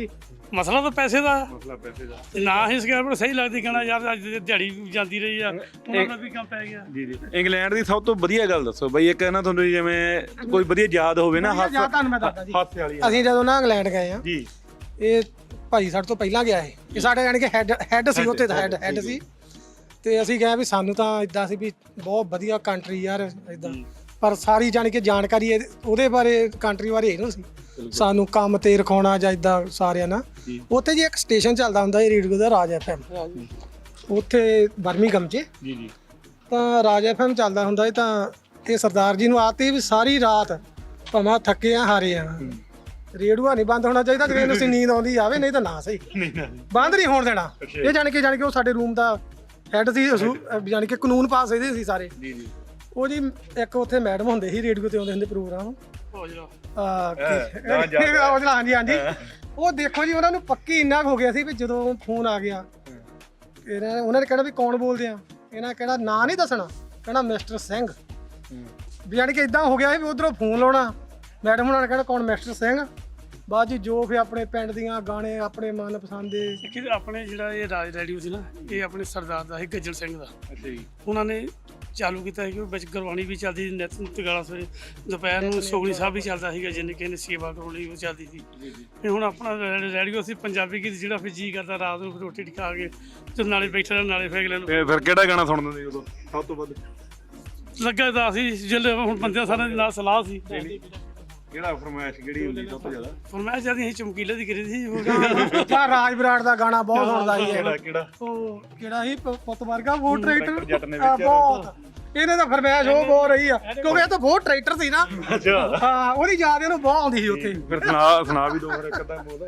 Speaker 9: ਮਸਲਾ ਤਾਂ ਪੈਸੇ ਦਾ
Speaker 1: ਮਸਲਾ ਪੈਸੇ ਦਾ
Speaker 9: ਨਾ ਹੀ ਸਕੈਪ ਸਹੀ ਲੱਗਦੀ ਕਹਿਣਾ ਯਾਰ ਅੱਜ ਦਿਹਾੜੀ ਜਾਂਦੀ ਰਹੀ ਆ ਉਹਨਾਂ ਦਾ ਵੀ ਕੰਮ ਪੈ ਗਿਆ।
Speaker 1: ਜੀ ਜੀ ਇੰਗਲੈਂਡ ਦੀ ਸਭ ਤੋਂ ਵਧੀਆ ਗੱਲ ਦੱਸੋ ਬਈ ਇੱਕ ਨਾ ਤੁਹਾਨੂੰ ਜਿਵੇਂ ਕੋਈ ਵਧੀਆ ਯਾਦ ਹੋਵੇ ਨਾ
Speaker 2: ਜਾਂ ਤੁਹਾਨੂੰ ਮੈਂ ਦੱਸਦਾ ਜੀ
Speaker 1: ਹਾਸੇ ਵਾਲੀ
Speaker 2: ਅਸੀਂ ਜਦੋਂ ਨਾ ਇੰਗਲੈਂਡ ਗਏ ਆ
Speaker 1: ਜੀ
Speaker 2: ਇਹ ਭਾਈ ਸਾਡੇ ਤੋਂ ਪਹਿਲਾਂ ਗਿਆ ਇਹ ਇਹ ਸਾਡੇ ਯਾਨੀ ਕਿ ਹੈਡ ਹੈਡ ਸੀ ਉੱਥੇ ਹੈਡ ਹੈਡ ਸੀ ਤੇ ਅਸੀਂ ਗਏ ਵੀ ਸਾਨੂੰ ਤਾਂ ਇਦਾਂ ਸੀ ਵੀ ਬਹੁਤ ਵਧੀਆ ਕੰਟਰੀ ਯਾਰ ਇਦਾਂ ਪਰ ਸਾਰੀ ਜਾਣੀ ਕਿ ਜਾਣਕਾਰੀ ਇਹਦੇ- ਉਹਦੇ ਬਾਰੇ ਕੰਟਰੀ ਬਾਰੇ ਇਹ ਨਹੀਂ ਸੀ ਸਾਨੂੰ ਕੰਮ ਤੇ ਰਖਾਉਣਾ ਜਾਂ ਇਦਾਂ ਸਾਰਿਆਂ ਨਾਲ ਉੱਥੇ ਜੀ ਇੱਕ ਸਟੇਸ਼ਨ ਚੱਲਦਾ ਹੁੰਦਾ ਇਹ ਰੇਡੀਓ ਦਾ ਰਾਜ ਐਫਐਮ ਉੱਥੇ ਬਰਮਿੰਘਮ 'ਚ
Speaker 1: ਜੀ ਜੀ
Speaker 2: ਤਾਂ ਰਾਜ ਐਫਐਮ ਚੱਲਦਾ ਹੁੰਦਾ ਸੀ ਤਾਂ ਇਹ ਸਰਦਾਰ ਜੀ ਨੂੰ ਆਤੀ ਵੀ ਸਾਰੀ ਰਾਤ ਭਾਵੇਂ ਥੱਕੇ ਆ ਹਾਰੇ ਆ ਰੇਡੂਆ ਨਹੀਂ ਬੰਦ ਹੋਣਾ ਚਾਹੀਦਾ ਜੇ ਤੁਸੀਂ ਨੀਂਦ ਆਉਂਦੀ ਆਵੇ ਨਹੀਂ ਤਾਂ ਨਾ ਸਹੀ ਬੰਦ ਨਹੀਂ ਹੋਣ ਦੇਣਾ ਇਹ ਜਾਣੀ ਕਿ ਜਾਣੀ ਕਿ ਉਹ ਸਾਡੇ ਰੂਮ ਦਾ ਹੈਡ ਸੀ ਜਾਣੀ ਕਿ ਕਾਨੂੰਨ ਪਾਸ ਇਹਦੇ ਸੀ ਸਾਰੇ
Speaker 1: ਜੀ ਜੀ
Speaker 2: ਉਹ ਜੀ ਇੱਕ ਉੱਥੇ ਮੈਡਮ ਹੁੰਦੇ ਸੀ ਰੇਡੀਓ ਤੇ ਆਉਂਦੇ ਹੁੰਦੇ ਪ੍ਰੋਗਰਾਮ
Speaker 9: ਹੋ ਜਾ
Speaker 2: ਆ
Speaker 1: ਨਾ ਜਾ-
Speaker 2: ਹਾਂਜੀ ਹਾਂਜੀ ਉਹ ਦੇਖੋ ਜੀ ਉਹਨਾਂ ਨੂੰ ਪੱਕੀ ਇੰਨਾ ਕੁ ਹੋ ਗਿਆ ਸੀ ਵੀ ਜਦੋਂ ਫੋਨ ਆ ਗਿਆ ਇਹਨਾਂ ਉਹਨਾਂ ਨੇ ਕਹਿਣਾ ਵੀ ਕੌਣ ਬੋਲਦੇ ਆ ਇਹਨਾਂ ਕਿਹੜਾ ਨਾਂ ਨਹੀਂ ਦੱਸਣਾ ਕਹਿਣਾ ਮਿਸਟਰ ਸਿੰਘ ਵੀ ਜਾਣੀ ਕਿ ਇਦਾਂ ਹੋ ਗਿਆ ਵੀ ਉਧਰੋਂ ਫੋਨ ਲਾਉਣਾ ਮੈਡਮ ਉਹਨਾਂ ਨੇ ਕਹਿਣਾ ਕੌਣ ਮਿਸਟਰ ਸਿੰਘ ਬਾਅਦ ਜੀ ਜੋ ਫਿਰ ਆਪਣੇ ਪਿੰਡ ਦੀਆਂ ਗਾਣੇ ਆਪਣੇ ਮਨਪਸੰਦ ਦੇ
Speaker 9: ਕਿ ਆਪਣੇ ਜਿਹੜਾ ਇਹ ਰਾਜ ਰੇਡੀਓ ਸੀ ਨਾ ਇਹ ਆਪਣੇ ਸਰਦਾਰ ਦਾ ਸੀ ਗੱਜਣ ਸਿੰਘ ਦਾ
Speaker 1: ਅੱਛਾ ਜੀ
Speaker 9: ਉਹਨਾਂ ਨੇ ਚਾਲੂ ਕੀਤਾ ਸੀ ਕਿ ਵਿੱਚ ਗੁਰਬਾਣੀ ਵੀ ਚੱਲਦੀ ਸੀ ਨਿਤ ਤਗਾਲਾ ਸਵੇਰੇ ਦੁਪਹਿਰ ਨੂੰ ਸੋਗਣੀ ਸਾਹਿਬ ਵੀ ਚੱਲਦਾ ਸੀਗਾ ਜਿੰਨੇ ਕਿਸੇ ਨੇ ਸੇਵਾ ਕਰਾਉਣੀ ਉਹ ਚੱਲਦੀ ਸੀ ਤੇ ਹੁਣ ਆਪਣਾ ਰੈ- ਰੇਡੀਓ ਸੀ ਪੰਜਾਬੀ ਗੀਤ ਜਿਹੜਾ ਫਿਰ ਜੀ ਕਰਦਾ ਰਾਤ ਨੂੰ ਫਿਰ ਰੋਟੀ ਖਾ ਕੇ ਤੇ ਨਾਲੇ ਬੈਠੇ ਰਹਿਣਾ ਨਾਲੇ ਫੇਕ ਲੈਣ
Speaker 1: ਫਿਰ ਫਿਰ ਕਿਹੜਾ ਗਾਣਾ ਸੁਣਦੇ ਸੀ ਉਦੋਂ ਸਭ ਤੋਂ ਵੱਧ
Speaker 9: ਲੱਗਾ ਤਾਂ ਸੀ ਜਿਹੜੇ ਹੁਣ ਬੰਦਿਆਂ ਸਾਰਿਆਂ ਦੇ ਨਾਲ ਸਲਾਹ ਸੀ
Speaker 1: ਕਿਹੜਾ ਫਰਮਾਇਸ਼ ਕਿਹੜੀ ਹੁੰਦੀ ਸਭ ਤੋਂ ਜ਼ਿਆਦਾ
Speaker 9: ਫਰਮਾਇਸ਼ ਜਦ ਅਸੀਂ ਚਮਕੀਲੇ ਦੀ ਕਰੀ ਸੀ ਉਹ
Speaker 2: ਜਾਂ ਰਾਜ ਬਰਾੜ ਦਾ ਗਾਣਾ ਬਹੁਤ ਸੁਣਦਾ ਸੀ
Speaker 1: ਕਿਹੜਾ
Speaker 2: ਇਹ।
Speaker 1: ਕਿਹੜਾ
Speaker 2: ਉਹ ਕਿਹੜਾ ਸੀ ਪ- ਪੁੱਤ ਵਰਗਾ ਉਹ
Speaker 1: ਟਰੈਕਟਰ ਜੱਟ ਨੇ
Speaker 2: ਟਰੈਕਟਰ
Speaker 1: ਵੇਚਿਆ।
Speaker 2: ਬਹੁਤ ਇਹਨੇ ਤਾਂ ਫਰਮਾਇਸ਼ ਉਹ ਬਹੁਤ ਰਹੀ ਆ ਕਿਉਂਕਿ ਇਹ ਤਾਂ ਬਹੁਤ ਟਰੈਕਟਰ ਸੀ ਨਾ
Speaker 1: ਅੱਛਾ
Speaker 2: ਹਾਂ ਉਹਦੀ ਯਾਦ ਇਹਨੂੰ ਬਹੁਤ ਆਉਂਦੀ ਸੀ ਉੱਥੇ
Speaker 1: ਫਿਰ ਸੁਣਾ ਸੁਣਾ ਵੀ ਦੋ ਫਿਰ ਇੱਕ ਅੱਧਾ ਬੋਲ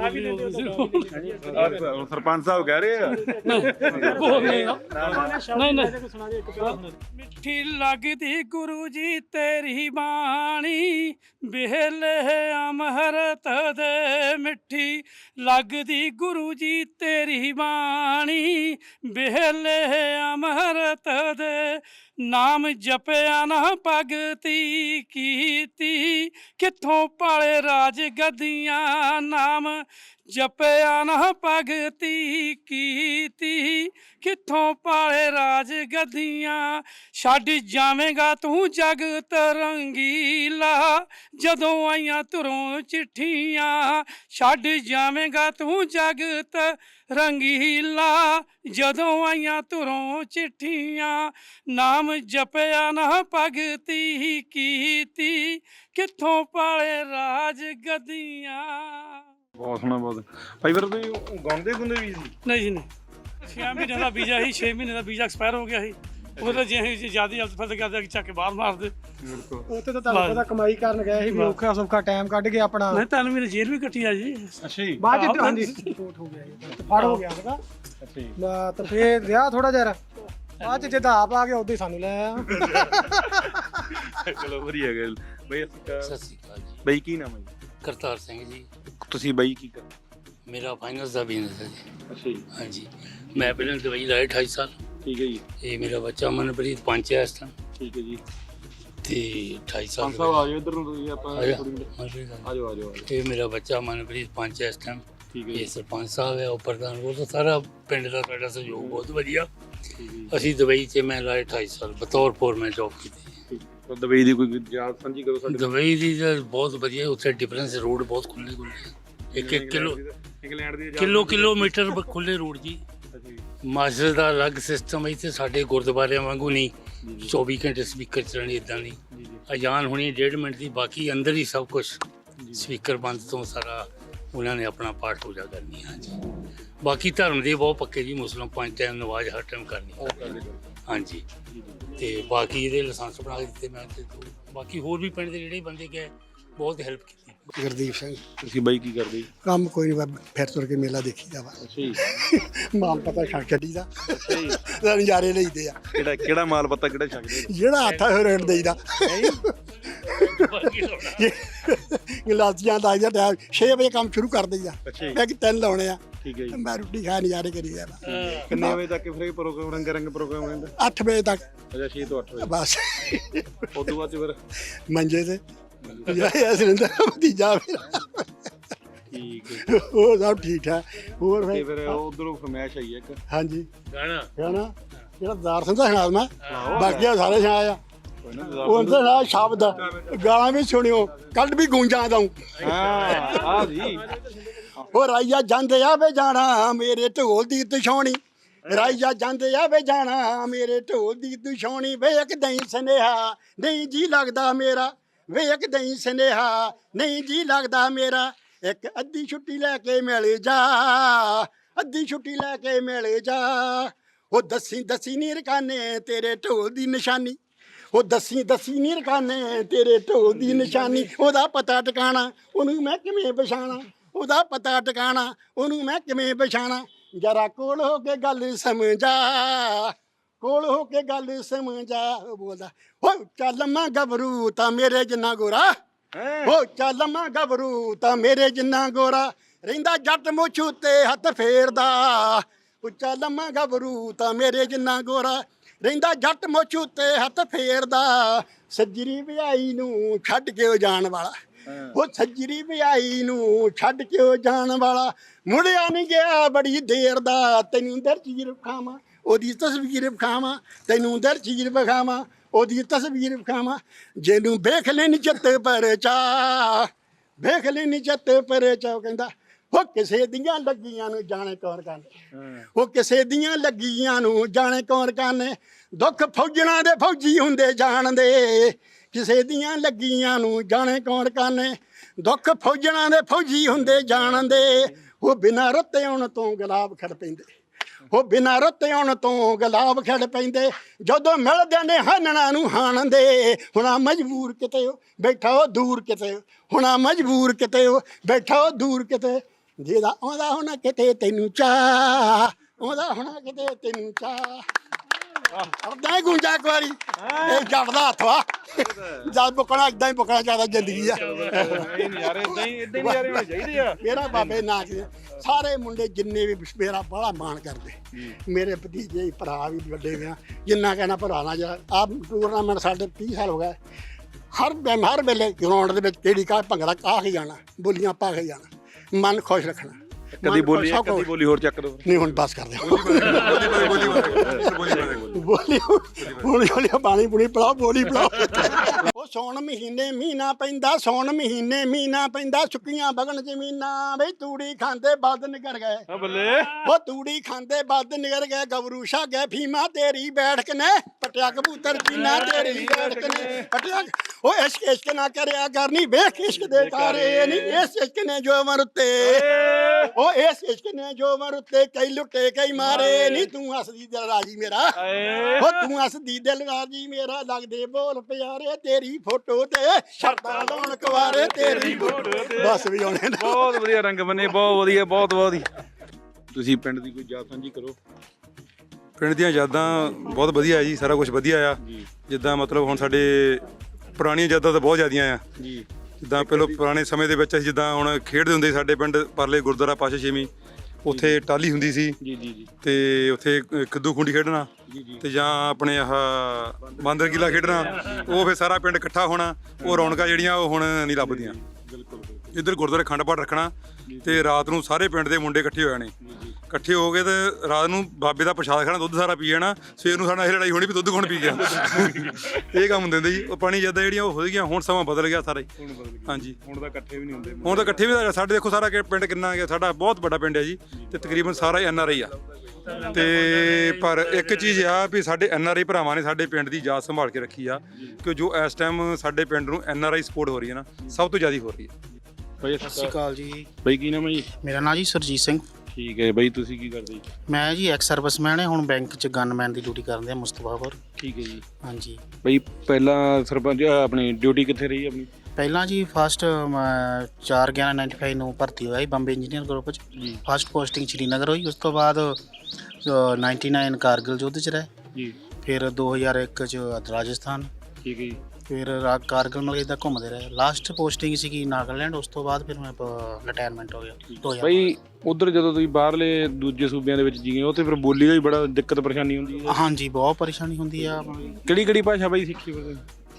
Speaker 1: ਆਹ ਸਰਪੰਚ ਸਾਹਿਬ ਕਹਿ ਰਹੇ ਆ
Speaker 9: ਨਹੀਂ ਨਹੀਂ ਮਿੱਠੀ ਲੱਗਦੀ ਗੁਰੂ ਜੀ ਤੇਰੀ ਬਾਣੀ ਬਿਹਲੇ ਅਮਰਤ ਦੇ ਮਿੱਠੀ ਲੱਗਦੀ ਗੁਰੂ ਜੀ ਤੇਰੀ ਬਾਣੀ ਬਿਹਲੇ ਅਮਰਤ ਦੇ ਨਾਮ ਜਪਿਆ ਨਾ ਭਗਤੀ ਕੀਤੀ ਕਿੱਥੋਂ ਪਾਲੇ ਰਾਜ ਗੱਦੀਆਂ ਨਾਮ ਜਪਿਆ ਨਾ ਭਗਤੀ ਕੀਤੀ ਕਿੱਥੋਂ ਪਾਲੇ ਰਾਜ ਗੱਦੀਆਂ ਛੱਡ ਜਾਵੇਂਗਾ ਤੂੰ ਜਗ ਤਰੰਗੀਲਾ ਜਦੋਂ ਆਈਆਂ ਧੁਰੋਂ ਚਿੱਠੀਆਂ ਛੱਡ ਜਾਵੇਂਗਾ ਤੂੰ ਜਗ ਤਰੰਗੀਲਾ ਜਦੋਂ ਆਈਆਂ ਧੁਰੋਂ ਚਿੱਠੀਆਂ ਨਾਮ ਜਪਿਆ ਨਾ ਭਗਤੀ ਕੀਤੀ ਕਿੱਥੋਂ ਪਾਲੇ ਰਾਜ ਗੱਦੀਆਂ।
Speaker 1: ਬਹੁਤ ਸੋਹਣਾ ਬਹੁਤ ਭਾਈ ਫਿਰ ਤੁਸੀਂ ਗਾਉਂਦੇ ਗੁੰਦੇ ਵੀ ਸੀ
Speaker 9: ਨਹੀਂ ਜੀ ਨਹੀਂ ਛੇ ਮਹੀਨੇ ਦਾ ਵੀਜ਼ਾ ਸੀ ਛੇ ਮਹੀਨੇ ਦਾ ਵੀਜ਼ਾ ਐਕਸਪਾਇਰ ਹੋ ਗਿਆ ਸੀ ਉਹ ਤਾਂ ਜੇ ਜਿਆਦਾ ਜਲਦ ਫਲਦ ਕਰਦੇ ਚੱਕ ਕੇ ਬਾਹਰ ਮਾਰਦੇ
Speaker 2: ਉੱਥੇ ਤਾਂ ਤੁਹਾਨੂੰ ਪਤਾ ਕਮਾਈ ਕਰਨ ਗਏ ਸੀ ਵੀ ਔਖਾ ਸੌਖਾ ਟਾਈਮ ਕੱਢ ਕੇ ਆਪਣਾ
Speaker 9: ਨਹੀਂ ਤਾਂ ਮੇਰੇ ਜੇਲ੍ਹ ਵੀ ਕੱਟੀ ਆ ਜੀ
Speaker 1: ਅੱਛਾ ਜੀ
Speaker 2: ਬਾਅਦ ਚ ਹਾਂਜੀ ਛੋਟ ਹੋ ਗਿਆ ਜੀ ਫੜ ਹੋ ਗਿਆ ਸੀਗਾ
Speaker 1: ਅੱਛਾ ਜੀ
Speaker 2: ਮੈਂ ਤਾਂ ਫੇਰ ਰਿਹਾ ਥੋੜਾ ਜਿਹਾ ਬਾਅਦ ਚ ਜਿੱਦਾਂ ਆਪ ਆ ਗਿਆ ਉਦੋਂ ਹੀ ਸਾਨੂੰ ਲੈ ਆਇਆ
Speaker 1: ਚਲੋ ਵਧੀਆ ਗੱਲ ਬਈ
Speaker 5: ਸਤਿ ਸ਼੍ਰੀ ਅਕਾਲ ਜੀ
Speaker 1: ਬਈ ਕੀ ਨਾਮ ਹੈ ਜੀ?
Speaker 5: ਕਰਤਾਰ ਸਿੰਘ ਜੀ
Speaker 1: ਤੁਸੀਂ ਬਈ ਕੀ ਕਰ
Speaker 5: ਮੇਰਾ ਫਾਈਨੈਂਸ ਦਾ ਬਿਜ਼ਨਸ ਹੈ ਜੀ
Speaker 1: ਅੱਛਾ ਜੀ
Speaker 5: ਹਾਂਜੀ ਮੈਂ ਪਹਿਲਾਂ ਦਵਾਈ ਲਾਇਆ ਅਠਾਈ ਸਾਲ
Speaker 1: ਠੀਕ ਹੈ ਜੀ
Speaker 5: ਇਹ ਮੇਰਾ ਬੱਚਾ ਮਨਪ੍ਰੀਤ ਪੰਜ ਹੈ ਇਸ ਟਾਈਮ
Speaker 1: ਠੀਕ ਹੈ ਜੀ
Speaker 5: ਤੇ ਅਠਾਈ ਸਾਲ
Speaker 1: ਪੰਜ ਸਾਹਿਬ ਆ ਜਾਓ ਇੱਧਰ ਨੂੰ ਤੁਸੀਂ ਆਪਾਂ
Speaker 5: ਆ ਜਾ,
Speaker 1: ਥੋੜ੍ਹੀ ਮਿੰਟ-
Speaker 5: ਮਨਪ੍ਰੀਤ ਆ ਜਾ।
Speaker 1: ਆ ਜਾਓ ਆ ਜਾਓ ਆ ਜਾਓ
Speaker 5: ਇਹ ਮੇਰਾ ਬੱਚਾ ਮਨਪ੍ਰੀਤ ਪੰਜ ਹੈ ਇਸ ਟਾਈਮ
Speaker 1: ਠੀਕ ਹੈ
Speaker 5: ਇਹ
Speaker 1: ਜੀ
Speaker 5: ਸਰਪੰਚ ਸਾਹਿਬ ਹੈ ਉਹ ਪ੍ਰਧਾਨ ਉਹ ਤਾਂ ਸਾਰਾ ਪਿੰਡ ਦਾ ਸਾਡਾ ਸਹਿਯੋਗ ਬਹੁਤ ਵਧੀਆ
Speaker 1: ਠੀਕ ਹੈ ਜੀ
Speaker 5: ਅਸੀਂ ਦੁਬਈ 'ਚ ਮੈਂ ਲਾਇਆ ਅਠਾਈ ਸਾਲ ਬਤੌਰ ਫੋਰਮੈਨ ਜੌਬ ਕੀਤੀ
Speaker 1: ਠੀਕ ਤਾਂ ਦੁਬਈ ਦੀ ਕੋਈ ਯਾਦ ਸਾਂਝੀ ਕਰੋ ਸਾਡੇ
Speaker 5: ਦੁਬਈ ਦੀ ਤਾਂ ਬਹੁਤ ਵਧੀਆ ਉੱਥੇ ਡਿਫਰੈਂਸ ਰੋਡ ਬਹੁਤ ਖੁੱਲੇ ਖੁੱਲੇ ਇੱਕ ਇੱਕ ਕਿਲੋ
Speaker 1: ਇੰਗਲੈਂਡ ਦੀ
Speaker 5: ਕਿਲੋ ਕਿਲੋਮੀਟਰ ਖੁੱਲੇ ਰੋਡ ਜੀ
Speaker 1: ਅੱਛਾ ਜੀ
Speaker 5: ਮਸਜਿਦ ਦਾ ਅਲੱਗ ਸਿਸਟਮ ਹੈ ਇੱਥੇ ਸਾਡੇ ਗੁਰਦੁਆਰਿਆਂ ਵਾਂਗੂ ਨਹੀਂ ਚੌਵੀ ਘੰਟੇ ਸਪੀਕਰ ਚੱਲਣੇ ਇਦਾਂ ਨਹੀਂ
Speaker 1: ਜੀ ਜੀ
Speaker 5: ਅਜ਼ਾਨ ਹੋਣੀ ਡੇਢ ਮਿੰਟ ਦੀ ਬਾਕੀ ਅੰਦਰ ਹੀ ਸਭ ਕੁਝ ਸਪੀਕਰ ਬੰਦ ਤੋਂ ਸਾਰਾ ਉਹਨਾਂ ਨੇ ਆਪਣਾ ਪਾਠ ਪੂਜਾ ਕਰਨੀ ਹੈ ਹਾਂਜੀ ਬਾਕੀ ਧਰਮ ਦੇ ਬਹੁਤ ਪੱਕੇ ਜੀ ਮੁਸਲਮਾਨ ਪੰਜ ਟਾਈਮ ਨਮਾਜ਼ ਹਰ ਟਾਈਮ ਕਰਨੀ
Speaker 1: ਉਹ ਕਰ ਦੇ
Speaker 5: ਹਾਂਜੀ ਤੇ ਬਾਕੀ ਇਹਦੇ ਲਾਇਸੈਂਸ ਬਣਾ ਕੇ ਦਿੱਤੇ ਮੈਂ ਤੇ ਬਾਕੀ ਹੋਰ ਵੀ ਪਿੰਡ ਦੇ ਜਿਹੜੇ ਬੰਦੇ ਗਏ ਬਹੁਤ ਹੈਲਪ ਕੀਤੀ
Speaker 6: ਗੁਰਦੀਪ ਸਿੰਘ
Speaker 1: ਤੁਸੀਂ ਬਈ ਕੀ ਕਰਦੇ ਜੀ
Speaker 6: ਕੰਮ ਕੋਈ ਨਹੀਂ ਫਿਰ ਤੁਰ ਕੇ ਮੇਲਾ ਦੇਖੀਦਾ ਵਾ
Speaker 1: ਅੱਛਾ ਜੀ
Speaker 6: ਮਾਲ ਪਤਾ ਛੱਡ ਛੱਡੀ ਦਾ
Speaker 1: ਅੱਛਾ ਜੀ
Speaker 6: ਤਾਂ ਨਜ਼ਾਰੇ ਲਈਦੇ ਆ
Speaker 1: ਕਿਹੜਾ ਕਿਹੜਾ ਮਾਲ ਪੱਤਾ ਕਿਹੜਾ ਛਕਦੇ
Speaker 6: ਜਿਹੜਾ ਹੱਥ ਆ ਰੇਣ ਦੇਈਦਾ ਗਲਾਸੀਆਂ ਦਾ ਆਈਦਾ ਟਾਈਮ ਛੇ ਵਜੇ ਕੰਮ ਸ਼ੁਰੂ ਕਰ ਦਈਦਾ
Speaker 1: ਅੱਛਾ ਜੀ
Speaker 6: ਮੈਂ ਕਿ ਤਿੰਨ ਲਾਉਣੇ ਆ
Speaker 1: ਠੀਕ ਹੈ ਜੀ
Speaker 6: ਮੈਂ ਰੋਟੀ ਖਾ ਨਜ਼ਾਰੇ ਕਰੀ ਜਾਣਾ
Speaker 1: ਕਿੰਨੇ ਵਜੇ ਤੱਕ ਫਿਰ ਇਹ ਪ੍ਰੋਗਰਾਮ ਰੰਗ ਰੰਗ ਪ੍ਰੋਗਰਾਮ ਰਹਿੰਦਾ
Speaker 6: ਅੱਠ ਵਜੇ ਤੱਕ
Speaker 1: ਅੱਛਾ ਛੇ ਤੋਂ ਅੱਠ ਵਜੇ
Speaker 6: ਬਸ
Speaker 1: ਉਸ ਤੋਂ ਬਾਅਦ 'ਚ ਫਿਰ
Speaker 6: ਮੰਜੇ ਤੇ ਜਾਇਆ ਸਿਲੰਦਰ ਭਤੀਜਾ ਮੇਰਾ
Speaker 1: ਠੀਕ ਹੈ
Speaker 6: ਉਹ ਸਭ ਠੀਕ ਠਾਕ ਹੋਰ
Speaker 1: ਤੇ
Speaker 6: ਫਿਰ
Speaker 1: ਫਿਰ ਉਧਰੋਂ ਫਰਮੈਸ਼ ਆਈ ਇੱਕ
Speaker 6: ਹਾਂਜੀ
Speaker 5: ਗਾਣਾ
Speaker 6: ਗਾਣਾ ਜਿਹੜਾ ਦਾਰ ਸਿੰਘ ਦਾ ਸੁਣਾ ਮੈਂ ਬਾਕੀ ਆ ਸਾਰੇ ਸੁਣਾ ਆ ਉਹ ਅੰਦਰ ਆ ਸ਼ਬਦ ਗਾਣਾ ਵੀ ਸੁਣਿਓ ਕੱਲ ਵੀ ਗੂੰਜਾਂ ਦਊਂ
Speaker 1: ਹਾਂ ਆ ਜੀ
Speaker 6: ਉਹ ਰਾਈਆ ਜਾਂਦੇ ਆ ਵੇ ਜਾਣਾ ਮੇਰੇ ਢੋਲ ਦੀ ਤਛਾਉਣੀ ਰਾਈਆ ਜਾਂਦੇ ਆ ਵੇ ਜਾਣਾ ਮੇਰੇ ਢੋਲ ਦੀ ਤਛਾਉਣੀ ਵੇਖ ਦਈ ਸਨੇਹਾ ਨਹੀਂ ਜੀ ਲੱਗਦਾ ਮੇਰਾ ਵੇਖ ਦਈ ਸਨੇਹਾ ਨਹੀਂ ਜੀ ਲੱਗਦਾ ਮੇਰਾ ਇੱਕ ਅੱਧੀ ਛੁੱਟੀ ਲੈ ਕੇ ਮਿਲ ਜਾ ਅੱਧੀ ਛੁੱਟੀ ਲੈ ਕੇ ਮਿਲ ਜਾ ਉਹ ਦੱਸੀ ਦੱਸੀ ਨੀ ਰਕਾਨੇ ਤੇਰੇ ਢੋਲ ਦੀ ਨਿਸ਼ਾਨੀ ਉਹ ਦੱਸੀ ਦੱਸੀ ਨੀ ਰਕਾਨੇ ਤੇਰੇ ਢੋਲ ਦੀ ਨਿਸ਼ਾਨੀ ਉਹਦਾ ਪਤਾ ਟਿਕਾਣਾ ਉਹਨੂੰ ਮੈਂ ਕਿਵੇਂ ਪਛਾਣਾ ਉਹਦਾ ਪਤਾ ਟਿਕਾਣਾ ਉਹਨੂੰ ਮੈਂ ਕਿਵੇਂ ਪਛਾਣਾ ਜਰਾ ਕੋਲ ਹੋ ਕੇ ਗੱਲ ਸਮਝਾ ਕੋਲ ਹੋ ਕੇ ਗੱਲ ਸਮਝਾ ਉਹ ਬੋਲਦਾ ਹੋ ਚੱਲ ਮਾਂ ਗੱਭਰੂ ਤਾਂ ਮੇਰੇ ਜਿੰਨਾ ਗੋਰਾ ਹੋ ਚੱਲ ਮਾਂ ਗੱਭਰੂ ਤਾਂ ਮੇਰੇ ਜਿੰਨਾ ਗੋਰਾ ਰਹਿੰਦਾ ਜੱਟ ਮੁੱਛ ਉੱਤੇ ਹੱਥ ਫੇਰਦਾ ਉੱਚਾ ਲੰਮਾ ਗੱਭਰੂ ਤਾਂ ਮੇਰੇ ਜਿੰਨਾ ਗੋਰਾ ਰਹਿੰਦਾ ਜੱਟ ਮੁੱਛ ਉੱਤੇ ਹੱਥ ਫੇਰਦਾ ਸੱਜਰੀ ਵਿਆਹੀ ਨੂੰ ਛੱਡ ਕੇ ਉਹ ਜਾਣ ਵਾਲਾ ਉਹ ਸੱਜਰੀ ਵਿਆਹੀ ਨੂੰ ਛੱਡ ਕੇ ਉਹ ਜਾਣ ਵਾਲਾ ਮੁੜਿਆ ਨਹੀਂ ਗਿਆ ਬੜੀ ਦੇਰ ਦਾ ਤੈਨੂੰ ਦਰਜੀਰ ਵਿਖਾਵਾਂ ਉਹਦੀ ਤਸਵੀਰ ਵਿਖਾਵਾਂ ਤੈਨੂੰ ਦਰਜੀਰ ਵਿਖਾਵਾਂ ਉਹਦੀ ਤਸਵੀਰ ਵਿਖਾਵਾਂ ਜਿਹਨੂੰ ਵੇਖ ਲੈਣੀ ਚਿੱਤ ਪਰ ਚਾ ਵੇਖ ਲੈਣੀ ਚਿੱਤ ਪਰ ਚਾ ਉਹ ਕਹਿੰਦਾ ਉਹ ਕਿਸੇ ਦੀਆਂ ਲੱਗੀਆਂ ਨੂੰ ਜਾਣੇ ਕੌਣ ਕਾਨੇ ਉਹ ਕਿਸੇ ਦੀਆਂ ਲੱਗੀਆਂ ਨੂੰ ਜਾਣੇ ਕੌਣ ਕਾਨੇ ਦੁੱਖ ਫੌਜਣਾ ਦੇ ਫੌਜੀ ਹੁੰਦੇ ਜਾਣਦੇ ਕਿਸੇ ਦੀਆਂ ਲੱਗੀਆਂ ਨੂੰ ਜਾਣੇ ਕੌਣ ਕਾਨੇ ਦੁੱਖ ਫੌਜਣਾ ਦੇ ਫੌਜੀ ਹੁੰਦੇ ਜਾਣਦੇ ਉਹ ਬਿਨਾਂ ਰੁੱਤੇ ਆਉਣ ਤੋਂ ਗੁਲਾਬ ਖੜ ਪੈਂਦੇ ਉਹ ਬਿਨਾਂ ਰੁੱਤੇ ਆਉਣ ਤੋਂ ਗੁਲਾਬ ਖੜ ਪੈਂਦੇ ਜਦੋਂ ਮਿਲਦੇ ਨੇ ਹਾਨਣਾ ਨੂੰ ਹਾਣਦੇ ਹੁਣਾ ਮਜਬੂਰ ਕਿਤੇ ਬੈਠਾ ਉਹ ਦੂਰ ਕਿਤੇ ਹੁਣਾ ਮਜਬੂਰ ਕਿਤੇ ਬੈਠਾ ਉਹ ਦੂਰ ਕਿਤੇ ਜਿਹਦਾ ਆਉਂਦਾ ਹੋਣਾ ਕਿਤੇ ਤੈਨੂੰ ਚਾਹ ਆਉਂਦਾ ਹੋਣਾ ਕਿਤੇ ਤੈਨੂੰ ਚਾਹ ਅਰਦਾਂ ਹੀ ਗੁੰਜਾ ਇੱਕ ਵਾਰੀ ਇਹ ਜੱਟ ਦਾ ਹੱਥ ਵਾ ਜਦ ਬੁੱਕਣਾ ਏਦਾਂ ਹੀ ਬੁੱਕਣਾ ਚਾਹੀਦਾ ਜ਼ਿੰਦਗੀ ਆ
Speaker 1: ਇਹ ਨਜ਼ਾਰੇ ਇਦਾਂ ਹੀ ਇਦਾਂ ਹੀ ਨਜ਼ਾਰੇ ਹੋਣੇ ਚਾਹੀਦੇ ਆ
Speaker 6: ਮੇਰਾ ਬਾਬੇ ਨਾ ਕੀ ਸਾਰੇ ਮੁੰਡੇ ਜਿੰਨੇ ਵੀ ਮੇਰਾ ਬੜਾ ਮਾਣ ਕਰਦੇ ਮੇਰੇ ਭਤੀਜੇ ਭਰਾ ਵੀ ਵੱਡੇ ਵੀ ਆ ਜਿੰਨਾ ਕਹਿਣਾ ਭਰਾ ਨਾ ਜਾ ਆ ਟੂਰਨਾਮੈਂਟ ਸਾਡੇ ਤੀਹ ਸਾਲ ਹੋ ਗਏ ਹਰ ਹਰ ਵੇਲੇ ਗਰਾਊਂਡ ਦੇ ਵਿੱਚ ਕਿਹੜੀ ਕਾ ਭੰਗੜਾ ਕਾ ਕੇ ਜਾਣਾ ਬੋਲੀਆਂ ਪਾ ਕੇ ਜਾਣਾ ਮਨ ਖੁਸ਼ ਰੱਖਣਾ
Speaker 1: ਕਦੀ ਬੋਲੀ ਕਦੀ ਬੋਲੀ ਹੋਰ ਚੱਕ ਦੋ
Speaker 6: ਨਹੀਂ ਹੁਣ ਬਸ ਕਰ ਦਿਓ ਬੋਲੀ ਹੌਲੀ ਹੌਲੀ ਪਾਣੀ ਪੂਣੀ ਪਿਲਾਓ ਬੋਲੀ ਪਿਲਾਓ ਉਹ ਸੌਣ ਮਹੀਨੇ ਮਹੀਨਾ ਪੈਂਦਾ ਸੌਣ ਮਹੀਨੇ ਮਹੀਨਾ ਪੈਂਦਾ ਸੁੱਕੀਆਂ ਬਗਣ ਜ਼ਮੀਨਾਂ ਬਈ ਤੂੜੀ ਖਾਂਦੇ ਬੱਦ ਨਿਕਰ ਗਏ
Speaker 1: ਬੱਲੇ
Speaker 6: ਉਹ ਤੂੜੀ ਖਾਂਦੇ ਬੱਦ ਨਿਕਰ ਗਏ ਗਬਰੂ ਛਾ ਗਏ ਫੀਮਾ ਤੇਰੀ ਬੈਠਕ ਨੇ ਪਟਿਆ ਕਬੂਤਰ ਚੀਨਾ ਤੇਰੀ ਬੈਠਕ ਨੇ ਪਟਿਆ ਉਹ ਇਸ਼ਕ ਇਸ਼ਕ ਨਾ ਕਰਿਆ ਕਰਨੀ ਵੇਖ ਇਸ਼ਕ ਦੇ ਤਾਰੇ ਨਹੀਂ ਇਸ ਇਸ਼ਕ ਨੇ ਜੋ ਮਰ ਉੱਤੇ ਉਹ ਇਸ ਇਸ਼ਕ ਨੇ ਜੋ ਮਰ ਉੱਤੇ ਕਈ ਲੁੱਟੇ ਕਈ ਮਾਰੇ ਨਹੀਂ ਤੂੰ ਹੱਸਦੀ ਦਿਲ ਰਾਜੀ ਮੇਰਾ ਉਹ ਤੂੰ ਹੱਸਦੀ ਦਿਲ ਰਾਜੀ ਮੇਰਾ ਲੱਗਦੇ ਬੋਲ ਪਿਆਰੇ ਤੇਰੀ ਫੋਟੋ ਤੇ ਸ਼ਰਤਾਂ ਲਾਉਣ ਕੁਵਾਰੇ ਤੇਰੀ ਫੋਟੋ ਤੇ ਬਸ ਵੀ ਆਉਣੇ ਨੇ
Speaker 1: ਬਹੁਤ ਵਧੀਆ ਰੰਗ ਬੰਨੇ ਬਹੁਤ ਵਧੀਆ ਬਹੁਤ ਵਧੀਆ ਤੁਸੀਂ ਪਿੰਡ ਦੀ ਕੋਈ ਯਾਦ ਸਾਂਝੀ ਕਰੋ
Speaker 3: ਪਿੰਡ ਦੀਆਂ ਯਾਦਾਂ ਬਹੁਤ ਵਧੀਆ ਜੀ ਸਾਰਾ ਕੁਝ ਵਧੀਆ ਆ ਜਿੱਦਾਂ ਮਤਲਬ ਹੁਣ ਸਾਡੇ ਪੁਰਾਣੀਆਂ ਯਾਦਾਂ ਤਾਂ ਬਹੁਤ ਜ਼ਿਆਦੀਆਂ ਆ
Speaker 1: ਜੀ
Speaker 3: ਜਿੱਦਾਂ ਪਹਿਲਾਂ ਪੁਰਾਣੇ ਸਮੇਂ ਦੇ ਵਿੱਚ ਅਸੀਂ ਜਿੱਦਾਂ ਹੁਣ ਖੇਡਦੇ ਹੁੰਦੇ ਸਾਡੇ ਪਿੰਡ ਪਰਲੇ ਗੁਰਦੁਆਰਾ ਪਾਸ਼ਾ ਛੇਵੀਂ ਉੱਥੇ ਟਾਹਲੀ ਹੁੰਦੀ ਸੀ
Speaker 1: ਜੀ ਜੀ ਜੀ
Speaker 3: ਤੇ ਉੱਥੇ ਖਿੱਦੂ ਖੁੰਡੀ ਖੇਡਣਾ ਤੇ ਜਾਂ ਆਪਣੇ ਆਹ ਬਾਂਦਰ ਕਿਲਾ ਖੇਡਣਾ ਉਹ ਫਿਰ ਸਾਰਾ ਪਿੰਡ ਇਕੱਠਾ ਹੋਣਾ ਉਹ ਰੌਣਕਾਂ ਜਿਹੜੀਆਂ ਉਹ ਹੁਣ ਨਹੀਂ ਲੱਭਦੀਆਂ
Speaker 1: ਬਿਲਕੁਲ
Speaker 3: ਇੱਧਰ ਗੁਰਦੁਆਰੇ ਅਖੰਡ ਪਾਠ ਰੱਖਣਾ ਤੇ ਰਾਤ ਨੂੰ ਸਾਰੇ ਪਿੰਡ ਦੇ ਮੁੰਡੇ ਇਕੱਠੇ ਹੋ ਜਾਣੇ ਇਕੱਠੇ ਹੋ ਕੇ ਤੇ ਰਾਤ ਨੂੰ ਬਾਬੇ ਦਾ ਪ੍ਰਸ਼ਾਦ ਖਾਣਾ ਦੁੱਧ ਸਾਰਾ ਪੀ ਜਾਣਾ ਸਵੇਰ ਨੂੰ ਸਾਡਾ ਇਹ ਲੜਾਈ ਹੋਣੀ ਵੀ ਦੁੱਧ ਕੌਣ ਪੀ ਗਿਆ ਇਹ ਕੰਮ ਹੁੰਦੇ ਹੁੰਦੇ ਜੀ ਉਹ ਪਾਣੀ ਜਿੱਦਾਂ ਜਿਹੜੀਆਂ ਉਹ ਹੋ ਗਈਆਂ ਹੁਣ ਸਮਾਂ ਬਦਲ ਗਿਆ ਸਾਰਾ ਹੀ ਹਾਂਜੀ
Speaker 1: ਹੁਣ ਤਾਂ ਇਕੱਠੇ ਵੀ ਨਹੀਂ ਹੁੰਦੇ
Speaker 3: ਹੁਣ ਤਾਂ ਇਕੱਠੇ ਵੀ ਸਾਡੇ ਦੇਖੋ ਸਾਰਾ ਕਿ ਪਿੰਡ ਕਿੰਨਾ ਗਿਆ ਸਾਡਾ ਬਹੁਤ ਵੱਡਾ ਪਿੰਡ ਹੈ ਜੀ ਤੇ ਤਕਰੀਬਨ ਸਾਰਾ ਹੀ ਐਨ ਆਰ ਆਈ ਆ ਤੇ ਪਰ ਇੱਕ ਚੀਜ਼ ਆ ਵੀ ਸਾਡੇ ਐਨ ਆਰ ਆਈ ਭਰਾਵਾਂ ਨੇ ਸਾਡੇ ਪਿੰਡ ਦੀ ਯਾਦ ਸੰਭਾਲ ਕੇ ਰੱਖੀ ਆ ਕਿ ਜੋ ਇਸ ਟਾਈਮ ਸਾਡੇ ਪਿੰਡ ਨੂੰ ਐਨ ਆਰ ਆਈ ਸਪੋਰਟ ਹੋ ਰਹੀ ਹੈ ਨਾ ਸਭ ਤੋਂ ਜ਼ਿਆਦਾ ਹੋ ਰਹੀ ਹੈ
Speaker 1: ਬਾਈ
Speaker 10: ਸਤਿ ਸ਼੍ਰੀ ਅਕਾਲ ਜੀ
Speaker 1: ਬਾਈ ਕੀ ਨਾਮ ਹੈ ਜੀ
Speaker 10: ਮੇਰਾ ਨਾਂ ਜੀ ਸਰਜੀਤ ਸਿੰਘ
Speaker 1: ਠੀਕ ਹੈ ਬਾਈ ਤੁਸੀਂ ਕੀ ਕਰਦੇ ਜੀ
Speaker 10: ਮੈਂ ਜੀ ਐਕਸ ਸਰਵਿਸਮੈਨ ਹਾਂ ਹੁਣ ਬੈਂਕ 'ਚ ਗਨਮੈਨ ਦੀ ਡਿਊਟੀ ਕਰਦੇ ਆ ਮੁਸਤਫਾਪੁਰ
Speaker 1: ਠੀਕ ਹੈ ਜੀ
Speaker 10: ਹਾਂਜੀ
Speaker 1: ਬਾਈ ਪਹਿਲਾਂ ਸਰਪੰਚ ਆਪਣੀ ਡਿਊਟੀ ਕਿੱਥੇ ਰਹੀ ਆਪਣੀ
Speaker 10: ਪਹਿਲਾਂ ਜੀ ਫਸਟ ਚਾਰ ਗਿਆਰਾਂ ਨਾਈਨਟੀ ਫਾਈਵ ਨੂੰ ਭਰਤੀ ਹੋਇਆ ਜੀ ਬੰਬੇ ਇੰਜੀਨੀਅਰ ਗਰੁੱਪ 'ਚ
Speaker 1: ਜੀ
Speaker 10: ਫਸਟ ਪੋਸਟਿੰਗ ਸ਼੍ਰੀਨਗਰ ਹੋਈ ਉਸ ਤੋਂ ਬਾਅਦ ਨਾਈਨਟੀ ਨਾਈਨ ਕਾਰਗਿਲ ਯੁੱਧ 'ਚ ਰਹੇ
Speaker 1: ਜੀ
Speaker 10: ਫਿਰ ਦੋ ਹਜ਼ਾਰ ਇੱਕ 'ਚ ਰਾਜਸਥਾਨ
Speaker 1: ਠੀਕ ਹੈ ਜੀ
Speaker 10: ਫਿਰ ਰਾ ਕਾਰਗਿਲ ਮਤਲਬ ਇੱਦਾਂ ਘੁੰਮਦੇ ਰਹੇ ਲਾਸਟ ਪੋਸਟਿੰਗ ਸੀਗੀ ਨਾਗਾਲੈਂਡ ਉਸ ਤੋਂ ਬਾਅਦ ਫਿਰ ਮੈਂ ਰਿਟਾਇਰਮੈਂਟ ਹੋ ਗਿਆ ਦੋ ਹਜ਼ਾਰ
Speaker 1: ਬਾਈ ਉਧਰ ਜਦੋਂ ਤੁਸੀਂ ਬਾਹਰਲੇ ਦੂਜੇ ਸੂਬਿਆਂ ਦੇ ਵਿੱਚ ਜੀਏ ਉਹ ਤੇ ਫਿਰ ਬੋਲੀ ਦਾ ਵੀ ਬੜਾ ਦਿੱਕਤ ਪਰੇਸ਼ਾਨੀ ਹੁੰਦੀ ਹੈ
Speaker 10: ਹਾਂਜੀ ਬਹੁਤ ਪਰੇਸ਼ਾਨੀ ਹੁੰਦੀ ਆ
Speaker 1: ਕਿਹੜੀ ਕਿਹੜੀ ਭਾਸ਼ਾ ਬਾਈ ਸਿੱਖੀ ਫਿਰ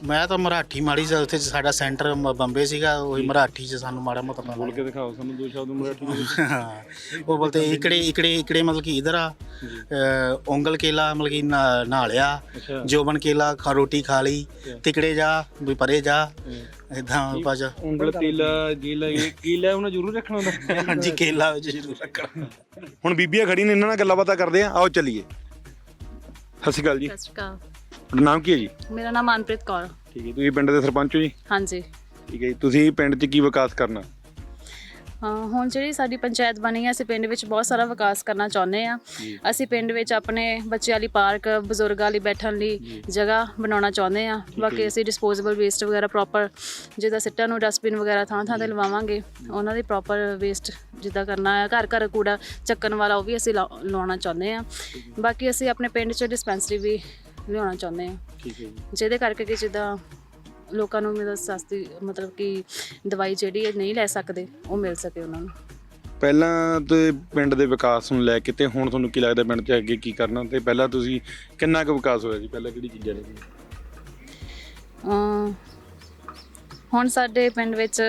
Speaker 10: ਮੈਂ ਤਾਂ ਮਰਾਠੀ ਮਾੜੀ ਜਿਹਾ ਉੱਥੇ ਸਾਡਾ ਸੈਂਟਰ ਮ- ਬੰਬੇ ਸੀਗਾ ਉਹੀ ਮਰਾਠੀ 'ਚ ਸਾਨੂੰ ਮਾੜਾ ਮੋਟਾ ਪਤਾ
Speaker 1: ਬੋਲ ਕੇ ਦਿਖਾਓ ਸਾਨੂੰ ਦੋ ਸ਼ਬਦ ਮਰਾਠੀ ਦੇ ਵਿੱਚ।
Speaker 10: ਹਾਂ ਉਹ ਬੋਲਤੇ ਇਕੜੇ ਇਕੜੇ ਇਕੜੇ ਮਤਲਬ ਕਿ ਇਧਰ ਆ ਅ, ਉਂਗਲ ਕੇਲਾ ਮਤਲਬ ਕਿ ਨਾ- ਨਹਾ ਲਿਆ
Speaker 1: ਅੱਛਾ
Speaker 10: ਜੋਬਨ ਕੇਲਾ ਖਾ ਰੋਟੀ ਖਾ ਲਈ ਤਿਕੜੇ ਜਾ ਵੀ ਪਰੇ ਜਾ ਇਦਾਂ ਬਸ
Speaker 1: ਉਂਗਲ ਤੀਲਾ ਜੀਲਾ ਇਹ ਕੀਲਾ ਉਹਨਾਂ ਜ਼ਰੂਰ ਰੱਖਣਾ ਹੁੰਦਾ।
Speaker 10: ਹਾਂਜੀ ਕੇਲਾ ਵਿੱਚ ਜ਼ਰੂਰ ਰੱਖਣਾ।
Speaker 1: ਹੁਣ ਬੀਬੀਆਂ ਖੜੀ ਨੇ, ਇਹਨਾਂ ਨਾਲ ਗੱਲਾਂ ਬਾਤਾਂ ਕਰਦੇ ਆ, ਆਓ ਚੱਲੀਏ। ਸਤਿ ਸ਼੍ਰੀ ਅਕਾਲ ਜੀ,
Speaker 11: ਸਤਿ ਸ਼੍ਰੀ ਅਕਾਲ।
Speaker 1: ਤੁਹਾਡਾ ਨਾਮ ਕੀ ਹੈ ਜੀ?
Speaker 11: ਮੇਰਾ ਨਾਮ ਮਨਪ੍ਰੀਤ ਕੌਰ।
Speaker 1: ਠੀਕ ਹੈ, ਤੁਸੀਂ ਪਿੰਡ ਦੇ ਸਰਪੰਚ ਹੋ ਜੀ?
Speaker 11: ਹਾਂਜੀ।
Speaker 1: ਠੀਕ ਹੈ ਜੀ, ਤੁਸੀਂ ਪਿੰਡ 'ਚ ਕੀ ਵਿਕਾਸ ਕਰਨਾ?
Speaker 11: ਹਾਂ, ਹੁਣ ਜਿਹੜੀ ਸਾਡੀ ਪੰਚਾਇਤ ਬਣੀ ਹੈ ਅਸੀਂ ਪਿੰਡ ਵਿੱਚ ਬਹੁਤ ਸਾਰਾ ਵਿਕਾਸ ਕਰਨਾ ਚਾਹੁੰਦੇ ਆ। ਅਸੀਂ ਪਿੰਡ ਵਿੱਚ ਆਪਣੇ ਬੱਚਿਆਂ ਲਈ ਪਾਰਕ, ਬਜ਼ੁਰਗਾਂ ਲਈ ਬੈਠਣ ਲਈ ਜਗ੍ਹਾ ਬਣਾਉਣਾ ਚਾਹੁੰਦੇ ਆ। ਬਾਕੀ ਅਸੀਂ ਡਿਸਪੋਜ਼ੇਬਲ ਵੇਸਟ ਵਗੈਰਾ ਪ੍ਰੋਪਰ ਜਿੱਦਾਂ ਸਿੱਟਾਂ ਨੂੰ ਡਸਟਬਿਨ ਵਗੈਰਾ ਥਾਂ ਥਾਂ ਤੇ ਲਵਾਵਾਂਗੇ, ਉਹਨਾਂ ਦੀ ਪ੍ਰੋਪਰ ਵੇਸਟ ਜਿੱਦਾਂ ਕਰਨਾ ਹੈ। ਘਰ ਘਰ ਕੂੜਾ ਚੱਕਣ ਵਾਲਾ ਉਹ ਵੀ ਅਸੀਂ ਲਾ- ਲਾਉਣਾ ਚਾਹੁੰਦੇ ਆ। ਬਾਕੀ ਅਸੀਂ ਆਪਣੇ ਪਿੰਡ 'ਚ ਡਿਸਪੈਂਸਰੀ ਵੀ ਲਿਆਉਣਾ ਚਾਹੁੰਦੇ ਆ,
Speaker 1: ਠੀਕ ਹੈ ਜੀ।
Speaker 11: ਜਿਹਦੇ ਕਰਕੇ ਕਿ ਜਿੱਦਾਂ ਲੋਕਾਂ ਨੂੰ ਮਤਲਬ ਸਸਤੀ ਮਤਲਬ ਕਿ ਦਵਾਈ ਜਿਹੜੀ ਇਹ ਨਹੀਂ ਲੈ ਸਕਦੇ ਉਹ ਮਿਲ ਸਕੇ ਉਹਨਾਂ ਨੂੰ।
Speaker 1: ਪਹਿਲਾਂ ਤੇ ਪਿੰਡ ਦੇ ਵਿਕਾਸ ਨੂੰ ਲੈ ਕੇ ਤੇ ਹੁਣ ਤੁਹਾਨੂੰ ਕੀ ਲੱਗਦਾ ਪਿੰਡ 'ਚ ਅੱਗੇ ਕੀ ਕਰਨਾ, ਤੇ ਪਹਿਲਾਂ ਤੁਸੀਂ ਕਿੰਨਾ ਕੁ ਵਿਕਾਸ ਹੋਇਆ ਜੀ? ਪਹਿਲਾਂ ਕਿਹੜੀ ਚੀਜ਼ਾਂ ਨੇ?
Speaker 11: ਅਮ ਹੁਣ ਸਾਡੇ ਪਿੰਡ ਵਿੱਚ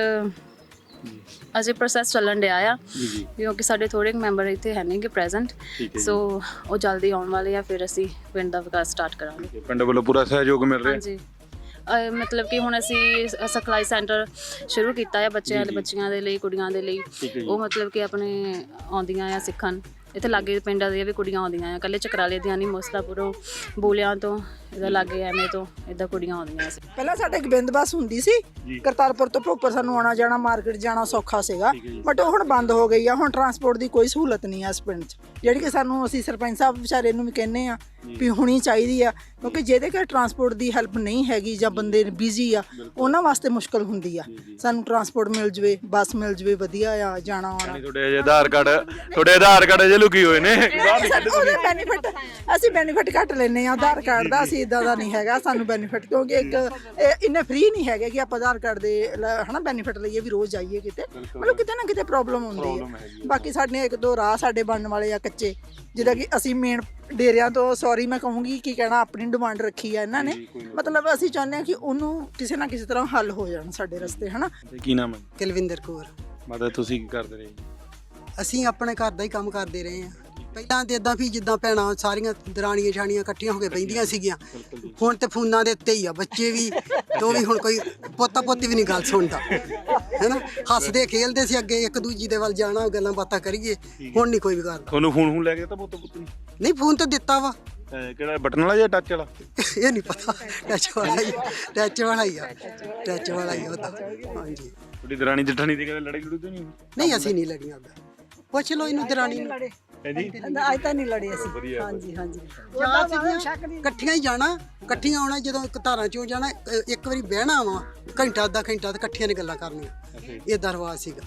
Speaker 11: ਅਜੇ ਪ੍ਰੋਸੈਸ ਚੱਲਣ ਡਿਆ ਆ,
Speaker 1: ਜੀ ਜੀ,
Speaker 11: ਕਿਉਂਕਿ ਸਾਡੇ ਥੋੜ੍ਹੇ ਮੈਂਬਰ ਇੱਥੇ ਹੈ ਨਹੀਂਗੇ ਪ੍ਰੈਜ਼ੈਂਟ,
Speaker 1: ਠੀਕ ਹੈ ਜੀ।
Speaker 11: ਸੋ ਉਹ ਜਲਦੀ ਆਉਣ ਵਾਲੇ ਆ, ਫਿਰ ਅਸੀਂ ਪਿੰਡ ਦਾ ਵਿਕਾਸ ਸਟਾਰਟ ਕਰਾਂਗੇ।
Speaker 1: ਪਿੰਡ ਵੱਲੋਂ ਪੂਰਾ ਸਹਿਯੋਗ ਮਿਲ ਰਿਹਾ?
Speaker 11: ਹਾਂਜੀ, ਅਹ ਮਤਲਬ ਕਿ ਹੁਣ ਅਸੀਂ ਸ- ਸਿਖਲਾਈ ਸੈਂਟਰ ਸ਼ੁਰੂ ਕੀਤਾ ਹੈ ਬੱਚਿਆਂ ਦੇ ਬੱਚੀਆਂ ਦੇ ਲਈ, ਕੁੜੀਆਂ ਦੇ ਲਈ।
Speaker 1: ਠੀਕ ਹੈ ਜੀ।
Speaker 11: ਉਹ ਮਤਲਬ ਕਿ ਆਪਣੇ ਆਉਂਦੀਆਂ ਆ ਸਿੱਖਣ। ਇੱਥੇ ਲਾਗੇ ਪਿੰਡਾਂ ਦੀਆਂ ਵੀ ਕੁੜੀਆਂ ਆਉਂਦੀਆਂ ਆ, ਇਕੱਲੇ ਚਕਰਾਲੇ ਦੀਆਂ ਨਹੀਂ, ਮੋਸਲਾਪੁਰੋਂ, ਬੂਲਿਆਂ ਤੋਂ, ਇਹਦਾ ਲਾਗੇ ਐਵੇਂ ਤੋਂ ਇੱਦਾਂ ਕੁੜੀਆਂ ਆਉਂਦੀਆਂ ਸੀ।
Speaker 12: ਪਹਿਲਾਂ ਸਾਡੇ ਇੱਕ ਬਿੰਦ ਬੱਸ ਹੁੰਦੀ ਸੀ ਕਰਤਾਰਪੁਰ ਤੋਂ ਭੋਗਪੁਰ, ਸਾਨੂੰ ਆਉਣਾ ਜਾਣਾ ਮਾਰਕੀਟ ਜਾਣਾ ਸੌਖਾ ਸੀਗਾ, ਬਟ ਉਹ ਹੁਣ ਬੰਦ ਹੋ ਗਈ ਆ। ਹੁਣ ਟਰਾਂਸਪੋਰਟ ਦੀ ਕੋਈ ਸਹੂਲਤ ਨਹੀਂ ਆ ਇਸ ਪਿੰਡ 'ਚ, ਜਿਹੜੀ ਕਿ ਸਾਨੂੰ ਅਸੀਂ ਸਰਪੰਚ ਸਾਹਿਬ ਵਿਚਾਰੇ ਨੂੰ ਵੀ ਕਹਿੰਦੇ ਆ ਵੀ ਹੋਣੀ ਚਾਹੀਦੀ ਆ, ਕਿਉਂਕਿ ਜਿਹਦੇ ਕਿ ਟਰਾਂਸਪੋਰਟ ਦੀ ਹੈਲਪ ਨਹੀਂ ਹੈਗੀ ਜਾਂ ਬੰਦੇ ਬਿਜ਼ੀ ਆ, ਉਹਨਾਂ ਵਾਸਤੇ ਮੁਸ਼ਕਲ ਹੁੰਦੀ ਆ। ਸਾਨੂੰ ਟਰਾਂਸਪੋਰਟ ਮਿਲ ਜਵੇ, ਬੱਸ ਮਿਲ ਜਵੇ, ਵਧੀਆ ਆ ਜਾਣਾ ਆਉਣਾ।
Speaker 1: ਤੁਹਾਡੇ ਅਜੇ ਆਧਾਰ ਕਾਰਡ ਤੁਹਾਡੇ ਆਧਾਰ ਕਾਰਡ ਅਜੇ ਲੁਕੀ ਹੋਏ ਨੇ।
Speaker 12: ਉਹਦੇ ਬੈਨੀਫਿਟ ਅਸੀਂ ਬੈਨੀਫਿਟ ਘੱਟ ਲੈਂਦੇ ਆ ਆਧਾਰ ਕਾਰਡ ਦਾ, ਅਸੀਂ ਇਦਾਂ ਦਾ ਨਹੀਂ ਹੈਗਾ ਸਾਨੂੰ ਬੈਨੀਫਿਟ, ਕਿਉਂਕਿ ਇੱਕ ਇਹ ਇੰਨੇ ਫ੍ਰੀ ਨਹੀਂ ਹੈਗੇ ਕਿ ਆਪਾਂ ਆਧਾਰ ਕਾਰਡ ਦੇ ਲ- ਹਨਾ ਬੈਨੀਫਿਟ ਲਈਏ ਵੀ ਰੋਜ਼ ਜਾਈਏ ਕਿਤੇ, ਮਤਲਬ ਕਿਤੇ ਨਾ ਕਿਤੇ ਪ੍ਰੋਬਲਮ ਹੁੰਦੀ ਹੈ। ਬਾਕੀ ਸਾਡੇ ਇੱਕ ਦੋ ਰਾਹ ਸਾਡੇ ਬਣਨ ਵਾਲੇ ਆ ਕੱਚੇ, ਜਿੱਦਾਂ ਕਿ ਅਸੀਂ ਮੇਨ ਡੇਰਿਆਂ ਤੋਂ, ਸੌਰੀ ਮੈਂ ਕਹੂੰਗੀ ਕੀ ਕਹਿਣਾ, ਆਪਣੀ ਡਿਮਾਂਡ ਰੱਖੀ ਆ ਇਹਨਾਂ ਨੇ, ਮਤਲਬ ਅਸੀਂ ਚਾਹੁੰਦੇ ਹਾਂ ਕਿ ਉਹਨੂੰ ਕਿਸੇ ਨਾ ਕਿਸੇ ਤਰ੍ਹਾਂ ਹੱਲ ਹੋ ਜਾਣ ਸਾਡੇ ਰਸਤੇ, ਹਨਾ।
Speaker 1: ਕੀ ਨਾਮ ਹੈ?
Speaker 13: ਕੁਲਵਿੰਦਰ ਕੌਰ।
Speaker 1: ਮਤਲਬ ਤੁਸੀਂ ਕੀ ਕਰਦੇ ਰਹੇ?
Speaker 13: ਅਸੀਂ ਆਪਣੇ ਘਰ ਦਾ ਹੀ ਕੰਮ ਕਰਦੇ ਰਹੇ ਹਾਂ। ਪਹਿਲਾਂ ਤੇ ਇਦਾਂ ਵੀ ਜਿੱਦਾਂ ਭੈਣਾਂ ਸਾਰੀਆਂ ਦਰਾਣੀਆਂ ਛਾਣੀਆਂ ਇਕੱਠੀਆਂ ਹੋ ਕੇ ਬੈਂਦੀਆਂ ਸੀਗੀਆਂ, ਹੁਣ ਤੇ ਫੋਨਾਂ ਦੇ ਉੱਤੇ ਹੀ ਆ ਬੱਚੇ ਵੀ, ਤੋ ਵੀ ਹੁਣ ਕੋਈ ਪੋਤਾ ਪੋਤੀ ਵੀ ਨਹੀਂ ਗੱਲ ਸੁਣਦਾ, ਹੈਨਾ। ਹੱਸਦੇ ਖੇਲਦੇ ਸੀ ਅੱਗੇ, ਇੱਕ ਦੂਜੀ ਦੇ ਵੱਲ ਜਾਣਾ, ਗੱਲਾਂ ਬਾਤਾਂ ਕਰੀਏ, ਹੁਣ ਨਹੀਂ ਕੋਈ ਵੀ ਕਰਦਾ।
Speaker 1: ਤੁਹਾਨੂੰ ਫੋਨ ਫੋਨ ਲੈ ਕੇ ਤਾਂ ਪੁੱਤ ਪੁੱਤ ਨਹੀਂ?
Speaker 13: ਨਹੀਂ ਫੋਨ ਤਾਂ ਦਿੱਤਾ ਵਾ।
Speaker 1: ਕਿਹੜਾ ਬਟਨ ਵਾਲਾ ਜਾਂ ਟੱਚ ਵਾਲਾ?
Speaker 13: ਇਹ ਨਹੀਂ ਪਤਾ, ਟੱਚ ਵਾਲਾ ਹੀ ਟੱਚ ਵਾਲਾ ਹੀ ਆ ਟੱਚ ਵਾਲਾ ਹੀ ਉਹਦਾ। ਹਾਂਜੀ,
Speaker 1: ਤੁਹਾਡੀ ਦਰਾਣੀ ਜਠਾਣੀ ਦੀ ਕਦੇ ਲੜਾਈ ਲੜੂਈ ਤਾਂ ਨਹੀਂ?
Speaker 13: ਨਹੀਂ ਅਸੀਂ ਨਹੀਂ ਲੜੀਆਂ, ਪੁੱਛ ਲਓ ਇਹਨੂੰ ਦਰਾਣੀ ਨੂੰ।
Speaker 1: ਜੀ
Speaker 12: ਅੱਜ ਤਾਂ ਨਹੀਂ ਲੜੇ ਅਸੀਂ। ਹਾਂਜੀ ਹਾਂਜੀ,
Speaker 13: ਇਕੱਠੀਆਂ ਹੀ ਜਾਣਾ, ਇਕੱਠੀਆਂ ਆਉਣਾ, ਜਦੋਂ ਇੱਕ ਧਾਰਾਂ ਚੋਂ ਜਾਣਾ, ਅ, ਇੱਕ ਵਾਰੀ ਬਹਿਣਾ ਵਾ ਘੰਟਾ ਅੱਧਾ ਘੰਟਾ ਤੇ ਇਕੱਠੀਆਂ ਨੇ ਗੱਲਾਂ ਕਰਨੀਆਂ, ਇਹ ਦਰਵਾਜ਼ ਸੀਗਾ।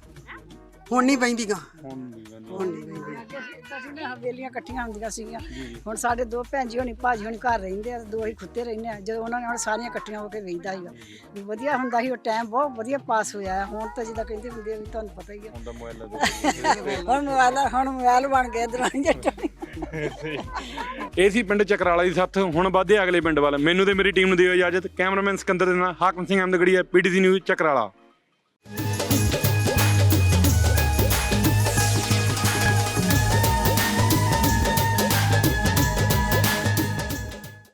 Speaker 13: ਹੁਣ ਨਹੀਂ ਬੈਂਦੀਆਂ, ਹੁਣ ਨਹੀਂ ਬੈਂਦੀਆਂ।
Speaker 12: ਅਸੀਂ ਨਾ ਹਵੇਲੀਆਂ ਇਕੱਠੀਆਂ ਹੁੰਦੀਆਂ ਸੀਗੀਆਂ, ਹੁਣ ਸਾਡੇ ਦੋ ਭੈਣ ਜੀ ਹੋਣੀ ਭਾਜੀ ਹੋਣੀ ਘਰ ਰਹਿੰਦੇ ਆ, ਦੋ ਹੀ ਖੁੱਤੇ ਰਹਿੰਦੇ ਆ। ਜਦੋਂ ਉਹਨਾਂ ਨਾਲ ਸਾਰੀਆਂ ਇਕੱਠੀਆਂ ਹੋ ਕੇ ਵੇਖਦਾ ਸੀਗਾ ਵੀ ਵਧੀਆ ਹੁੰਦਾ ਸੀ, ਉਹ ਟਾਈਮ ਬਹੁਤ ਵਧੀਆ ਪਾਸ ਹੋਇਆ ਹੈ। ਹੁਣ ਤਾਂ ਜਿੱਦਾਂ ਕਹਿੰਦੇ ਹੁੰਦੇ ਆ ਵੀ ਤੁਹਾਨੂੰ ਪਤਾ ਹੀ ਆ,
Speaker 1: ਹੁਣ ਤਾਂ ਮੋਬਾਈਲਾਂ ਦੇ
Speaker 12: ਹੁਣ ਮੋਬਾਈਲ ਹੁਣ ਮੋਬਾਈਲ ਬਣ ਗਏ ਦਰਾਣੀ ਜੱਟਾਣੀ।
Speaker 1: ਇਹ ਸੀ ਪਿੰਡ ਚਕਰਾਲਾ ਦੀ ਸੱਥ। ਹੁਣ ਵਧਦੇ ਅਗਲੇ ਪਿੰਡ ਵੱਲ। ਮੈਨੂੰ ਤੇ ਮੇਰੀ ਟੀਮ ਨੂੰ ਦਿਓ ਇਜਾਜ਼ਤ। ਕੈਮਰਾਮੈਨ ਸਿਕੰਦਰ ਦੇ ਨਾਲ ਹਾਕਮ ਸਿੰਘ ਅਹਿਮਦਗੜੀਆ, ਪੀਟੀਸੀ ਨਿਊਜ਼ ਚਕਰਾਲਾ।